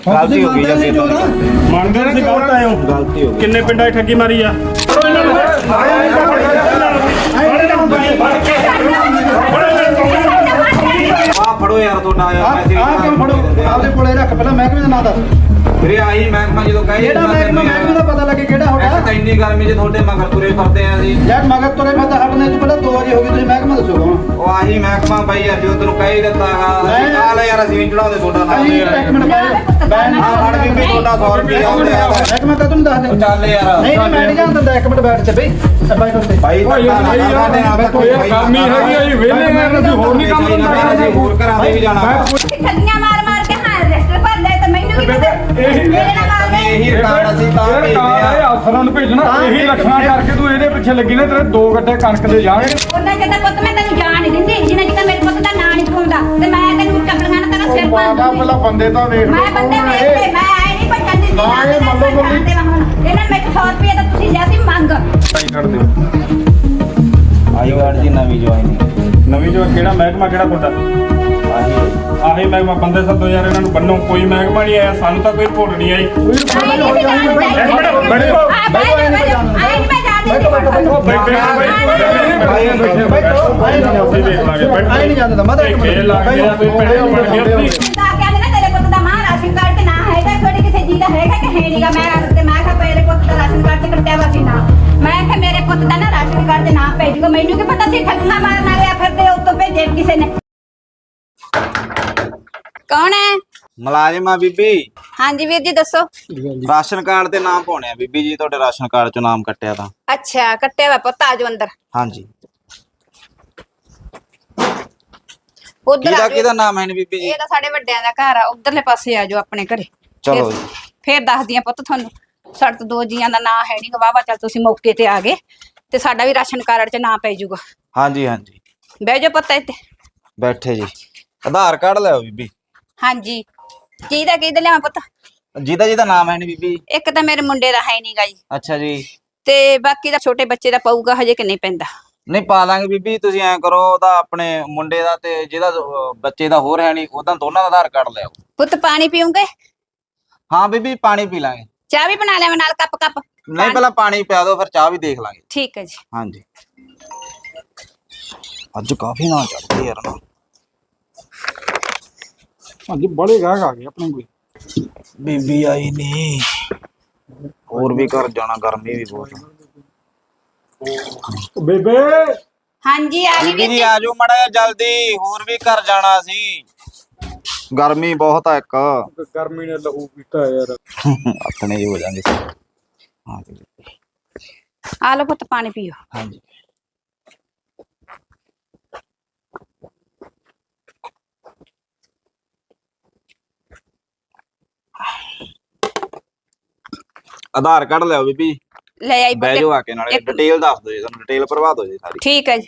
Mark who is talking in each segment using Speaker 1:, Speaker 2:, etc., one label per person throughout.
Speaker 1: ਗਲਤੀ ਹੋ ਗਈ ਜੀ
Speaker 2: ਮੰਨਦੇ ਨੇ ਗਲਤ ਆਏ ਹੋ
Speaker 1: ਗਲਤੀ ਹੋ ਗਈ
Speaker 2: ਕਿੰਨੇ ਪਿੰਡਾਂ 'ਚ ਠੱਗੀ ਮਾਰੀ ਆ
Speaker 1: ਫੜੋ ਯਾਰ ਤੁਹਾਡਾ ਯਾਰ
Speaker 3: ਕਿਉਂ ਫੜੋ ਆਪਦੇ ਕੋਲੇ ਰੱਖ ਪਹਿਲਾਂ ਮਹਿਕਮੇ ਦਾ ਨਾਂ ਦੱਸ
Speaker 1: ਵੀਰੇ ਆਹੀ ਮਹਿਕਮਾ ਜਦੋਂ ਕਹੇ
Speaker 3: ਕਿਹੜਾ ਮਹਿਕਮੇ ਦਾ ਪਤਾ ਲੱਗੇ ਕਿਹੜਾ ਹੋਣਾ
Speaker 1: ਇੱਕ ਤਾਂ ਇੰਨੀ ਗਰਮੀ 'ਚ ਤੁਹਾਡੇ ਮਗਰ ਤੁਰੇ ਫਿਰਦੇ ਆ ਜੀ
Speaker 3: ਯਾਰ ਮਗਰ ਤੁਰੇ ਮੈਂ ਤਾਂ ਹਟਨੇ ਤੋਂ ਪਹਿਲਾਂ 2 ਵਜੇ ਹੋ ਗਏ ਤੁਸੀਂ ਮਹਿਕਮਾ ਦੱਸੋ ਕੌਣ
Speaker 1: ਉਹ ਆਹੀ ਮਹਿਕਮਾ ਬਾਈ ਯਾਰ ਜਦੋਂ ਤੈਨੂੰ ਕਹਿ ਹੀ ਦਿੱਤਾਗਾ ਆ ਲੈ ਯਾਰ ਅਸੀਂ ਵੀ ਚੜਾਉਂਦੇ ਤੁਹਾਡਾ ਨਾਮ
Speaker 3: ਅਸੀਂ ਇੱਕ ਮਿੰਟ ਬੈਠ
Speaker 1: ਆ ਫੜ ਬੀਬੀ ਤੁਹਾਡਾ 100 ਰੁਪਏ ਆਉਂਦੇ ਆ
Speaker 3: ਮਹਿਕਮਾ ਤਾਂ ਤੁਹਾਨੂੰ ਦੱਸ ਦੇ
Speaker 1: ਚੱਲ ਯਾਰ
Speaker 3: ਨਹੀਂ ਮੈਂ ਨਹੀਂ ਜਾਣ ਦਿੰਦਾ 1 ਮਿੰਟ ਬੈਠ ਤੇ ਬਈ ਬਾਈ ਕਰਤੇ
Speaker 1: ਭਾਈ
Speaker 2: ਗਰਮੀ ਹੈਗੀ ਆ ਜੀ ਵਿਹਲੇ ਮੈਂ ਤੁਸੀਂ ਹੋਰ ਨਹੀਂ ਕੰਮ ਕਰਨਾ
Speaker 1: ਹੋਰ ਘਰਾਂ ਦੇ ਵੀ ਜਾਣਾ
Speaker 4: ਠੱਗੀਆਂ ਮਾਰ ਮਾਰ ਕੇ ਹਾਂ ਰਜਿਸਟਰ ਭਰ ਲੈ ਤੇ ਮੈਨੂੰ ਕੀ ਪਤਾ ਮੇਰੇ ਨਾਲ ਮਾਰ ਲੈ
Speaker 1: ਇਹੀ ਰਿਕਾਰਡ ਅਸੀਂ ਤਾਂ ਭੇਜਦੇ ਆ
Speaker 2: ਅਫਸਰਾਂ ਨੂੰ ਭੇਜਣਾ ਇਹੀ ਲੱਖਾਂ ਕਰਕੇ ਤੂੰ ਇਹਦੇ ਪਿੱਛੇ ਲੱਗੀ ਨੇ ਤੇਰੇ 2 ਗੱਡੇ ਕਣਕ ਦੇ ਜਾਣਗੇ
Speaker 4: ਉਹਨਾਂ ਕਹਿੰਦਾ ਪੁੱਤ ਮੈਂ ਤੈਨੂੰ ਜਾਣ ਨਹੀਂ ਦਿੰਦੀ ਜਿੰਨਾ ਚਿਰ ਮੇਰੇ ਪੁੱਤ ਦਾ ਨਾਂ ਨਹੀਂ ਪਾਉਂਦਾ ਤੇ ਮੈਂ ਤੈਨੂੰ ਚੱਪਲਾਂ ਨਾਲ ਤੇਰਾ ਸਿਰ ਭੰਨ ਦੂੰਗੀ
Speaker 2: ਪਹਿਲਾਂ ਬੰਦੇ ਤਾਂ ਵੇਖ
Speaker 4: ਮੈਂ ਬੰਦੇ ਵੇਖ ਕੇ ਮੈਂ ਆਏ ਨਹੀਂ ਭੱਜਣ ਦਿੰਦੀ
Speaker 2: ਹਾਂ, ਇਹ ਮੰਨ ਲਓ ਮੰਮੀ।
Speaker 4: ਇਹਨਾਂ ਨੇ 100 ਰੁਪਏ ਤਾਂ ਤੁਸੀਂ ਲਿਆ ਸੀ ਮੰਗ
Speaker 2: ਛੱਡ ਦਿਓ
Speaker 1: ਆਈ ਵਾਰ ਜੀ ਨਵੀਂ ਜੁਆਇਨਿੰਗ
Speaker 2: ਨਵੀਂ ਜੋ ਕਿਹੜਾ ਮਹਿਕਮਾ ਕਿਹੜਾ ਤੁਹਾਡਾ ਆਹੀ ਮਹਿਕਮਾ ਬੰਦੇ ਸੱਦੋ ਯਾਰ ਇਹਨਾਂ ਨੂੰ ਬੰਨੋ ਕੋਈ ਮਹਿਕਮਾ ਨਹੀਂ ਆਇਆ ਸਾਨੂੰ ਤਾਂ ਕੋਈ ਰਿਪੋਰਟ ਨਹੀਂ ਆਈ
Speaker 3: ਆਈ ਨਹੀਂ ਜਾਂਦਾ ਮੈਂ ਤਾਂ ਇੱਕ ਮਿੰਟ
Speaker 4: ਤੇਰੇ ਪੁੱਤ ਦਾ ਮਾਂ ਰਾਸ਼ਨ ਕਾਰਡ ਤੇ ਨਾ ਹੈਗਾ ਥੋੜੀ ਕਿਸੇ ਜੀ ਦਾ ਹੈਗਾ ਕਿ ਹੈ ਨਹੀਂਗਾ ਮੈਂ ਤੇ ਮੈਂ ਕਿਹਾ ਮੇਰੇ ਪੁੱਤ ਦਾ ਰਾਸ਼ਨ ਕਾਰਡ ਤੇ ਕੱਟਿਆ ਵਾ ਸੀ ਨਾ ਮੈਂ ਕਿਹਾ ਮੇਰੇ ਪੁੱਤ ਦਾ ਨਾ ਰਾਸ਼ਨ ਕਾਰਡ ਤੇ ਨਾ ਭੇਜੂਗਾ ਮੈਨੂੰ ਕੀ ਪਤਾ ਸੀ ਠੱਗੀਆਂ ਮਾਰਨ ਵਾਲੇ ਆ ਫਿਰਦੇ ਉੱਤੋਂ ਭੇਜੇ ਕਿਸੇ ਨੇ ਕੌਣ ਹੈ
Speaker 1: ਮੁਲਾਜ਼ਮ ਆ ਬੀਬੀ
Speaker 4: ਹਾਂਜੀ ਵੀਰ ਜੀ ਦੱਸੋ
Speaker 1: ਰਾਸ਼ਨ ਕਾਰਡ ਤੇ ਨਾਮ ਪਾਉਣੇ ਆ ਬੀਬੀ ਜੀ ਤੁਹਾਡੇ ਰਾਸ਼ਨ ਕਾਰਡ 'ਚੋਂ ਨਾਮ ਕੱਟਿਆ ਤਾਂ
Speaker 4: ਅੱਛਾ ਕੱਟਿਆ ਵਾ ਪੁੱਤ ਆਜੋ ਅੰਦਰ
Speaker 1: ਹਾਂਜੀ
Speaker 4: ਉਧਰ
Speaker 1: ਕਿਹਦਾ ਕਿਹਦਾ ਨਾਮ ਹੈ ਨੀ ਬੀਬੀ ਜੀ
Speaker 4: ਇਹ ਤਾਂ ਸਾਡੇ ਵੱਡਿਆਂ ਦਾ ਘਰ ਆ ਉਧਰਲੇ ਪਾਸੇ ਆਜੋ ਆਪਣੇ ਘਰੇ
Speaker 1: ਚਲੋ
Speaker 4: ਫਿਰ-
Speaker 1: ਜੀ।
Speaker 4: ਫਿਰ ਦੱਸਦੀ ਆ ਪੁੱਤ ਤੁਹਾਨੂੰ ਸਾਡੇ ਤੋਂ 2 ਜੀਆਂ ਦਾ ਨਾਂ ਹੈ ਨਹੀਂ ਵਾਵਾ ਚੱਲ ਤੁਸੀਂ ਮੌਕੇ ਤੇ ਆ ਗਏ ਤੇ ਸਾਡਾ ਵੀ ਰਾਸ਼ਨ ਕਾਰਡ 'ਚ ਨਾਂ ਪੈ ਜਾਊਗਾ
Speaker 1: ਹਾਂਜੀ ਹਾਂਜੀ
Speaker 4: ਬਹਿ ਜਾਓ ਪੁੱਤ ਇੱਥੇ
Speaker 1: ਬੈਠੇ ਜੀ ਆਧਾਰ ਕਾਰਡ ਲਿਆਓ ਬੀਬੀ
Speaker 4: ਹਾਂਜੀ ਕਿਹਦਾ ਲਿਆਵਾਂ ਪੁੱਤ
Speaker 1: ਜਿਹਦਾ ਨਾਮ ਹੈ ਨੀ ਬੀਬੀ
Speaker 4: ਇੱਕ ਤਾਂ ਮੇਰੇ ਮੁੰਡੇ ਦਾ ਹੈ ਨਹੀਂਗਾ ਜੀ
Speaker 1: ਅੱਛਾ ਜੀ
Speaker 4: ਤੇ ਬਾਕੀ ਦਾ ਛੋਟੇ ਬੱਚੇ ਦਾ ਪਊਗਾ ਹਜੇ ਕਿ ਨਹੀਂ ਪੈਂਦਾ
Speaker 1: ਨਹੀਂ ਪਾ ਲਾਂਗੇ ਬੀਬੀ ਤੁਸੀਂ ਐਂ ਕਰੋ ਉਹਦਾ ਆਪਣੇ ਮੁੰਡੇ ਦਾ ਤੇ ਜਿਹਦਾ ਬੱਚੇ ਦਾ ਹੋਰ ਹੈ ਨਹੀਂ ਉਹਦਾ ਦੋਨਾਂ ਦਾ ਆਧਾਰ ਕਾਰਡ ਲਿਆਓ
Speaker 4: ਪੁੱਤ ਪਾਣੀ ਪੀਉਂਗੇ
Speaker 1: ਹਾਂ ਬੀਬੀ ਪਾਣੀ ਪੀ ਲਾਂਗੇ
Speaker 4: ਚਾਹ ਵੀ ਬਣਾ ਲਿਆਵਾਂ ਨਾਲ ਕੱਪ
Speaker 1: ਨਹੀਂ ਪਹਿਲਾਂ ਪਾਣੀ ਪਿਆ ਦਿਓ ਫਿਰ ਚਾਹ ਵੀ ਦੇਖ ਲਾਂਗੇ
Speaker 4: ਠੀਕ ਹੈ ਜੀ
Speaker 1: ਹਾਂਜੀ ਅੱਜ ਕਾਫੀ ਨਾ ਚੜਦੇ ਯਾਰ ਨਾ
Speaker 2: ਹਾਂਜੀ ਬੜੇ ਗਾਹਕ ਆ ਗਏ ਆਪਣੇ ਕੋਲ
Speaker 1: ਬੀਬੀ ਆਈ ਨਹੀਂ ਹੋਰ ਵੀ ਘਰ ਜਾਣਾ ਗਰਮੀ ਵੀ ਬਹੁਤ ਆ।
Speaker 2: ਬੇਬੇ
Speaker 4: ਹਾਂਜੀ ਆ ਗਈ
Speaker 1: ਬੀਬੀ
Speaker 4: ਵੀਰ
Speaker 1: ਜੀ
Speaker 4: ਜੀ
Speaker 1: ਆ ਜਾਓ ਮਾੜਾ ਜਿਹਾ ਜਲਦੀ ਹੋਰ ਵੀ ਘਰ ਜਾਣਾ ਸੀ ਗਰਮੀ ਬਹੁਤ ਆ ਇੱਕ
Speaker 2: ਗਰਮੀ ਨੇ ਲਹੂ ਪੀਤਾ ਯਾਰ
Speaker 1: ਆਪਣੇ ਹੀ ਹੋ ਜਾਣਗੇ ਹਾਂ ਜੀ
Speaker 4: ਆ ਲਓ ਪੁੱਤ ਪਾਣੀ ਪੀਓ
Speaker 1: ਹਾਂਜੀ ਆਧਾਰ ਕਾਰਡ ਲਿਆਓ ਬੀਬੀ
Speaker 4: ਲੈ ਆਈ
Speaker 1: ਬਹਿ ਜਾਓ ਆ ਕੇ ਨਾਲੇ ਡਿਟੇਲ ਦੱਸ ਦਿਓ ਜੀ ਤੁਹਾਨੂੰ ਡਿਟੇਲ ਭਰਵਾ ਦਿਓ ਜੀ ਸਾਰੀ
Speaker 4: ਠੀਕ ਹੈ ਜੀ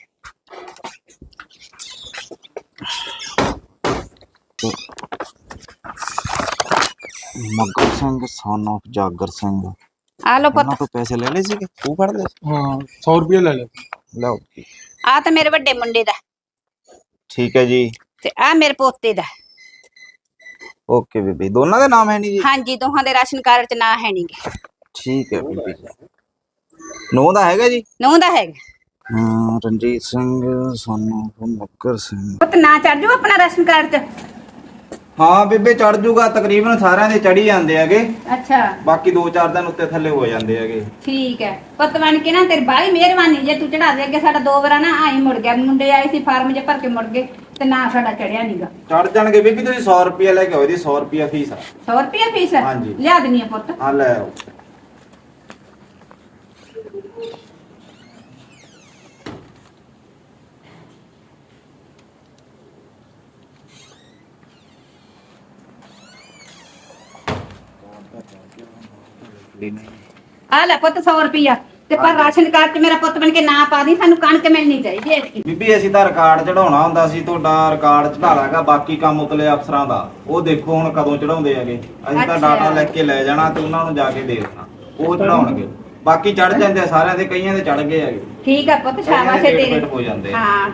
Speaker 1: ਮੱਗਰ ਸਿੰਘ son of ਜਾਗਰ ਸਿੰਘ
Speaker 4: ਆ ਲਓ
Speaker 1: ਉਹਨਾਂ
Speaker 4: ਪੁੱਤ
Speaker 1: ਤੋਂ ਪੈਸੇ ਲੈ ਲਏ ਸੀਗੇ ਉਹ ਫੜ ਲਏ
Speaker 2: ਹਾਂ 100 ਰੁਪਏ ਲੈ ਲੈ
Speaker 1: ਲਓ
Speaker 4: ਆ ਤਾਂ ਮੇਰੇ ਵੱਡੇ ਮੁੰਡੇ ਦਾ
Speaker 1: ਠੀਕ ਹੈ ਜੀ
Speaker 4: ਤੇ ਆ ਮੇਰੇ ਪੋਤੇ ਦਾ
Speaker 1: ਓਕੇ ਬੀਬੀ ਦੋਨਾਂ ਦੇ ਨਾਮ ਹੈ ਨਹੀਂ ਜੀ
Speaker 4: ਹਾਂਜੀ ਦੋਹਾਂ ਦੇ ਰਾਸ਼ਨ ਕਾਰਡ 'ਚ ਨਾਂ ਹੈ ਨਹੀਂਗੇ
Speaker 1: ਠੀਕ ਹੈ ਬੀਬੀ ਜੀ ਨੋ ਦਾ ਹੈਗਾ ਜੀ
Speaker 4: ਨੂੰਹ ਦਾ ਹੈਗਾ
Speaker 1: ਰਣਜੀਤ ਸਿੰਘ son of ਮੱਗਰ ਸਿੰਘ
Speaker 4: ਪੁੱਤ ਨਾਂ ਚੜ ਜੂ ਆਪਣਾ ਰਾਸ਼ਨ ਕਾਰਡ 'ਚ
Speaker 1: ਹਾਂ ਬੀਬੀ ਚੜ ਜੂਗਾ ਤਕਰੀਬਨ ਸਾਰਿਆਂ ਦੇ ਚੜੀ ਜਾਂਦੇ ਹੈਗੇ
Speaker 4: ਅੱਛਾ
Speaker 1: ਬਾਕੀ 2-4 ਦਿਨ ਉੱਤੇ ਥੱਲੇ ਹੋ ਜਾਂਦੇ ਹੈਗੇ
Speaker 4: ਠੀਕ ਹੈ ਪੁੱਤ ਬਣ ਕੇ ਨਾ ਤੇਰੀ ਬਾਹਲੀ ਮਿਹਰਬਾਨੀ ਜੇ ਤੂੰ ਚੜਾ ਦੇ ਅੱਗੇ ਸਾਡਾ 2 ਵਾਰਾ ਨਾ ਆਈ ਮੁੜ ਗਿਆ ਮੁੰਡੇ ਆਏ ਸੀ ਫਾਰਮ 'ਚ ਭਰ ਕੇ ਮੁੜ ਗਏ ਤੇ ਨਾ ਸਾਡਾ ਚੜਿਆ ਨਹੀਂਗਾ
Speaker 1: ਚੜ ਜਾਣਗੇ ਬੀਬੀ ਤੁਸੀਂ 100 ਰੁਪਏ ਲੈ ਕੇ ਆਓ ਇਹਦੀ 100 ਰੁਪਏ ਫੀਸ ਆ
Speaker 4: 100 ਰੁਪਏ ਫੀਸ
Speaker 1: ਹਾਂਜੀ।
Speaker 4: ਲਿਆ ਦੇਣੀ ਆ ਪੁੱਤ
Speaker 1: ਹਾਂ ਲੈ ਆਓ
Speaker 4: ਆ ਲੈ ਪੁੱਤ 100 ਰੁਪਿਆ ਤੇ ਪਰ ਰਾਸ਼ਨ ਕਾਰਡ 'ਚ ਮੇਰਾ ਪੁੱਤ ਬਣ ਕੇ ਨਾਂ ਪਾ ਦੀ ਸਾਨੂੰ ਕਣਕ ਮਿਲਣੀ ਚਾਹੀਦੀ ਹੈ ਇਸकी।
Speaker 1: ਬੀਬੀ ਅਸੀਂ ਤਾਂ ਰਿਕਾਰਡ ਚੜਾਉਣਾ ਹੁੰਦਾ ਸੀ ਤੁਹਾਡਾ ਰਿਕਾਰਡ ਚੜਾ ਲਾਗਾ ਬਾਕੀ ਕੰਮ ਉਤਲੇ ਅਫਸਰਾਂ ਦਾ ਉਹ ਦੇਖੋ ਹੁਣ ਕਦੋਂ ਚੜਾਉਂਦੇ ਹੈਗੇ ਅਸੀਂ ਤਾਂ
Speaker 4: ਅੱਛਾ।
Speaker 1: ਡਾਟਾ ਲੈ ਕੇ ਲੈ ਜਾਣਾ ਤੇ ਉਹਨਾਂ ਨੂੰ ਜਾ ਕੇ ਦੇ ਦੇਣਾ ਉਹ ਚੜਾਉਣਗੇ ਬਾਕੀ ਚੜ ਜਾਂਦੇ ਆ ਸਾਰਿਆਂ ਦੇ ਕਈਆਂ ਦੇ ਚੜ ਗਏ ਹੈਗੇ
Speaker 4: ਠੀਕ ਆ ਪੁੱਤ ਸ਼ਾਬਾਸ਼ ਹੈ
Speaker 1: ਕਈਆਂ ਦੇ
Speaker 4: ਤੇਰੀ
Speaker 1: ਡੇਟ ਹੋ ਜਾਂਦੇ ਆ।
Speaker 4: ਹਾਂ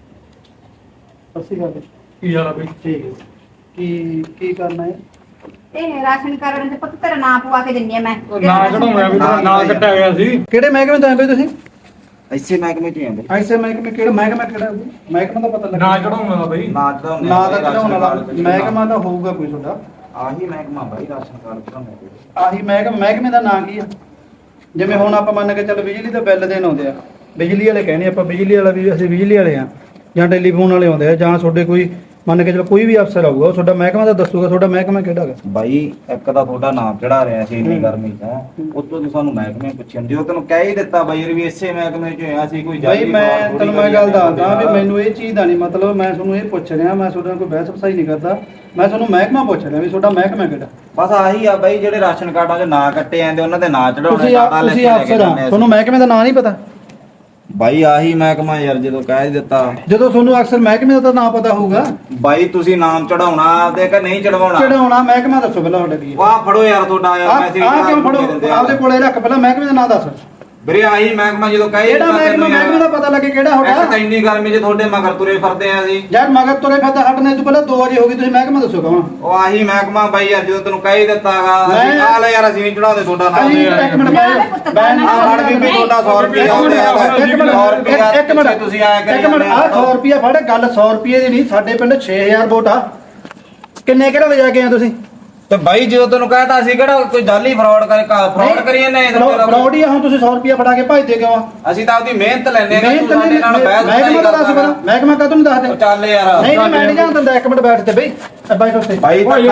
Speaker 3: ਅਸੀਂ ਗੱਲ
Speaker 2: ਕੀ ਹਾਲ ਆ ਬਈ
Speaker 3: ਠੀਕ ਹੈ ਕੀ ਕਰਨਾ ਹੈ
Speaker 4: ਇਹ ਰਾਸ਼ਨ ਕਾਰਡ ਦੇ ਪੁੱਤ ਤੇਰਾ ਨਾਂ ਪਵਾ ਕੇ ਦਿੰਨੀ ਆ ਮੈਂ
Speaker 2: ਨਾ ਚੜਾਉਣਾ ਵੀ ਤੇਰਾ ਨਾਂ ਕੱਟਿਆ ਗਿਆ ਸੀ।
Speaker 3: ਕਿਹੜੇ ਮਹਿਕਮੇ ਤੋਂ ਆਏ ਬਈ ਤੁਸੀਂ?
Speaker 1: ਐਸੇ ਮਹਿਕਮੇ ਚ ਹੀ ਆਂਦੇ
Speaker 3: ਐਸੇ ਮਹਿਕਮੇ ਕਿਹੜਾ ਕਿਹੜਾ ਮਹਿਕਮਾ ਦਾ ਪਤਾ
Speaker 2: ਨਾ
Speaker 3: ਲੱਗਾ?
Speaker 2: ਚੜਾਉਣਾ ਦਾ ਬਈ
Speaker 1: ਨਾ ਚੜਾਉਂਦੇ
Speaker 3: ਨਾ ਦਾ ਚੜਾਉਣ ਵਾਲਾ ਮਹਿਕਮਾ ਤਾਂ ਹੋਊਗਾ ਕੋਈ ਤੁਹਾਡਾ।
Speaker 1: ਆਹੀ ਮਹਿਕਮਾ ਬਾਈ ਰਾਸ਼ਨ ਕਾਰਡ ਚੜਾਉਂਦੇ।
Speaker 3: ਆਹੀ ਮਹਿਕਮੇ ਦਾ ਨਾਂ ਕੀ ਆ? ਜਿਵੇਂ ਹੁਣ ਆਪਾਂ ਮੰਨ ਕੇ ਚੱਲ ਬਿਜਲੀ ਦਾ ਬਿੱਲ ਦੇਣ ਆਉਂਦੇ ਆ, ਬਿਜਲੀ ਵਾਲੇ ਕਹਿੰਦੇ ਆਪਾਂ ਬਿਜਲੀ ਵਾਲਾ ਵੀ ਅਸੀਂ ਬਿਜਲੀ ਵਾਲੇ ਆ, ਜਾਂ ਟੈਲੀਫੋਨ ਵਾਲੇ ਆਉਂਦੇ ਆ, ਜਾਂ ਤੁਹਾਡੇ ਕੋਈ ਮੰਨ ਕੇ ਚੱਲ ਕੋਈ ਵੀ ਅਫਸਰ ਆਊਗਾ ਉਹ ਤੁਹਾਡਾ ਮਹਿਕਮਾ ਦਾ ਦੱਸੂਗਾ ਤੁਹਾਡਾ ਮਹਿਕਮਾ ਕਿਹੜਾ ਹੈਗਾ।
Speaker 1: ਬਾਈ ਇੱਕ ਤਾਂ ਤੁਹਾਡਾ ਨਾਮ ਚੜਾ ਰਿਹਾ ਸੀ ਇੰਨੀ ਗਰਮੀ ਚ, ਉੱਤੋਂ ਦੀ ਸਾਨੂੰ ਮਹਿਕਮੇ ਪੁੱਛਣ ਜਦੋਂ ਤੈਨੂੰ ਕਹਿ ਹੀ ਦਿੱਤਾ ਬਾਈ ਵੀ ਇਸੇ ਮਹਿਕਮੇ ਚ ਹੋਇਆ ਸੀ ਕੋਈ
Speaker 3: ਬਾਈ ਮੈਂ ਤੈਨੂੰ ਮੈਂ ਗੱਲ ਦੱਸਦਾ ਵੀ ਮੈਨੂੰ ਇਹ ਚੀਜ਼ ਦਾ ਨਹੀਂ ਮਤਲਬ, ਮੈਂ ਤੁਹਾਨੂੰ ਇਹ ਪੁੱਛ ਰਿਹਾ, ਮੈਂ ਤੁਹਾਡੇ ਨਾਲ ਕੋਈ ਬਹਿਸ ਬਸਾਈ ਨਹੀਂ ਕਰਦਾ, ਮੈਂ ਤੁਹਾਨੂੰ ਮਹਿਕਮਾ ਪੁੱਛ ਰਿਹਾ ਵੀ ਤੁਹਾਡਾ ਮਹਿਕਮਾ ਕਿਹੜਾ।
Speaker 1: ਬਸ ਆਹੀ ਆ ਬਾਈ ਜਿਹੜੇ ਰਾਸ਼ਨ ਕਾਰਡਾਂ 'ਚ ਨਾਂ ਕੱਟੇ ਜਾਂਦੇ ਉਹਨਾਂ ਦੇ ਨਾਂ ਚੜਾਉਣੇ।
Speaker 3: ਤੁਸੀਂ ਅਫਸਰ ਆ, ਤੁਹਾਨੂੰ ਮਹਿਕਮੇ ਦਾ ਨਾਂ ਨਹੀਂ ਪਤਾ?
Speaker 1: ਬਾਈ ਆਹੀ ਮਹਿਕਮਾ ਯਾਰ ਜਦੋਂ ਕਹਿ ਦਿੱਤਾ।
Speaker 3: ਜਦੋਂ ਤੁਹਾਨੂੰ ਅਕਸਰ ਮਹਿਕਮੇ ਦਾ ਤਾਂ ਨਾਂ ਪਤਾ ਹੋਊਗਾ।
Speaker 1: ਬਾਈ ਤੁਸੀਂ ਨਾਮ ਚੜਾਉਣਾ ਤੇ ਕਿ ਨਹੀਂ ਚੜਵਾਉਣਾ?
Speaker 3: ਚੜਾਉਣਾ ਮਹਿਕਮਾ ਦੱਸੋ ਪਹਿਲਾਂ ਤੁਹਾਡਾ ਕੀ ਹੈ।
Speaker 1: ਵਾਹ ਫੜੋ ਯਾਰ ਤੁਹਾਡਾ ਯਾਰ ਮੈਸੇਜ
Speaker 3: ਆਹ ਕਿਉਂ ਫੜੋ? ਆਪਦੇ ਕੋਲੇ ਰੱਖ, ਪਹਿਲਾਂ ਮਹਿਕਮੇ ਦਾ ਨਾਂ ਦੱਸ।
Speaker 1: ਵੀਰੇ ਆਹੀ ਮਹਿਕਮਾ ਜਦੋਂ ਕਹੇ
Speaker 3: ਕਿਹੜਾ ਮਹਿਕਮੇ ਦਾ ਪਤਾ ਲੱਗੇ ਕਿਹੜਾ
Speaker 1: ਇੱਕ ਤਾਂ
Speaker 3: ਹੋਗਾ।
Speaker 1: ਇੰਨੀ ਗਰਮੀ 'ਚ ਤੁਹਾਡੇ ਮਗਰ ਤੁਰੇ ਫਿਰਦੇ ਆ ਅਸੀਂ।
Speaker 3: ਯਾਰ ਮਗਰ ਤੁਰੇ ਫਿਰਦਾ ਹਟਨੇ ਤੋਂ ਪਹਿਲਾਂ 2 ਵਜੇ ਹੋ ਗਈ, ਤੁਸੀਂ ਮਹਿਕਮਾ ਦੱਸੋ ਕੌਣ?
Speaker 1: ਉਹ ਆਹੀ ਮਹਿਕਮਾ ਬਾਈ ਯਾਰ ਜਦੋਂ ਤੈਨੂੰ ਕਹਿ ਹੀ ਦਿੱਤਾਗਾ ਅਸੀਂ ਆ ਲੈ ਯਾਰ ਅਸੀਂ ਨਹੀਂ ਚੜਾਉਂਦੇ ਤੁਹਾਡਾ ਨਾਮ।
Speaker 3: ਅਸੀਂ ਇੱਕ ਮਿੰਟ
Speaker 1: ਆਹ ਫੜ ਬੀਬੀ ਤੁਹਾਡਾ 100 ਰੁਪਏ ਆਉਂਦੇ ਆ।
Speaker 3: 1 ਮਿੰਟ
Speaker 1: ਤੁਸੀਂ ਆਇਆ ਕਰੀ
Speaker 3: ਇੱਕ ਮਿੰਟ, ਆਹ 100 ਰੁਪਿਆ ਫੜ, ਗੱਲ 100 ਰੁਪਏ ਦੀ ਨਹੀਂ, ਸਾਡੇ ਪਿੰਡ 6000 ਵੋਟ ਆ। ਕਿੰਨੇ ਕਿਹੜਾ ਲੈ ਜਾ ਕੇ ਆ ਤੁਸੀਂ?
Speaker 1: ਤੇ ਬਾਈ ਜਦੋਂ ਤੈਨੂੰ ਕਹਤਾ ਅਸੀਂ ਕਿਹੜਾ ਕੋਈ ਜਾਲੀ ਫਰਾਡ ਕਰੀ ਜਾਂਦੇ
Speaker 3: ਫਰਾਡ ਹੀ ਆ। ਹੁਣ ਤੁਸੀਂ 100 ਰੁਪਿਆ ਫੜਾ ਕੇ ਭਜਦੇ ਕਿਉਂ ਆ?
Speaker 1: ਅਸੀਂ ਤਾਂ ਆਪਦੀ ਮਿਹਨਤ ਲੈਣੇ ਆ।
Speaker 3: ਮਿਹਨਤ ਨਹੀਂ, ਮਹਿਕਮਾ ਦਾ ਦੱਸ ਪਹਿਲਾਂ, ਮਹਿਕਮਾ ਕਾ ਤੁਹਾਨੂੰ ਦੱਸ ਦੇ।
Speaker 1: ਚੱਲ ਯਾਰ
Speaker 3: ਨਹੀਂ ਮੈਂ ਨਹੀਂ ਜਾਣ ਦਿੰਦਾ। 1 ਮਿੰਟ ਬੈਠ ਤੇ ਬਈ, ਬੈਠੋ ਤੇ
Speaker 1: ਬਾਈ
Speaker 2: ਗਰਮੀ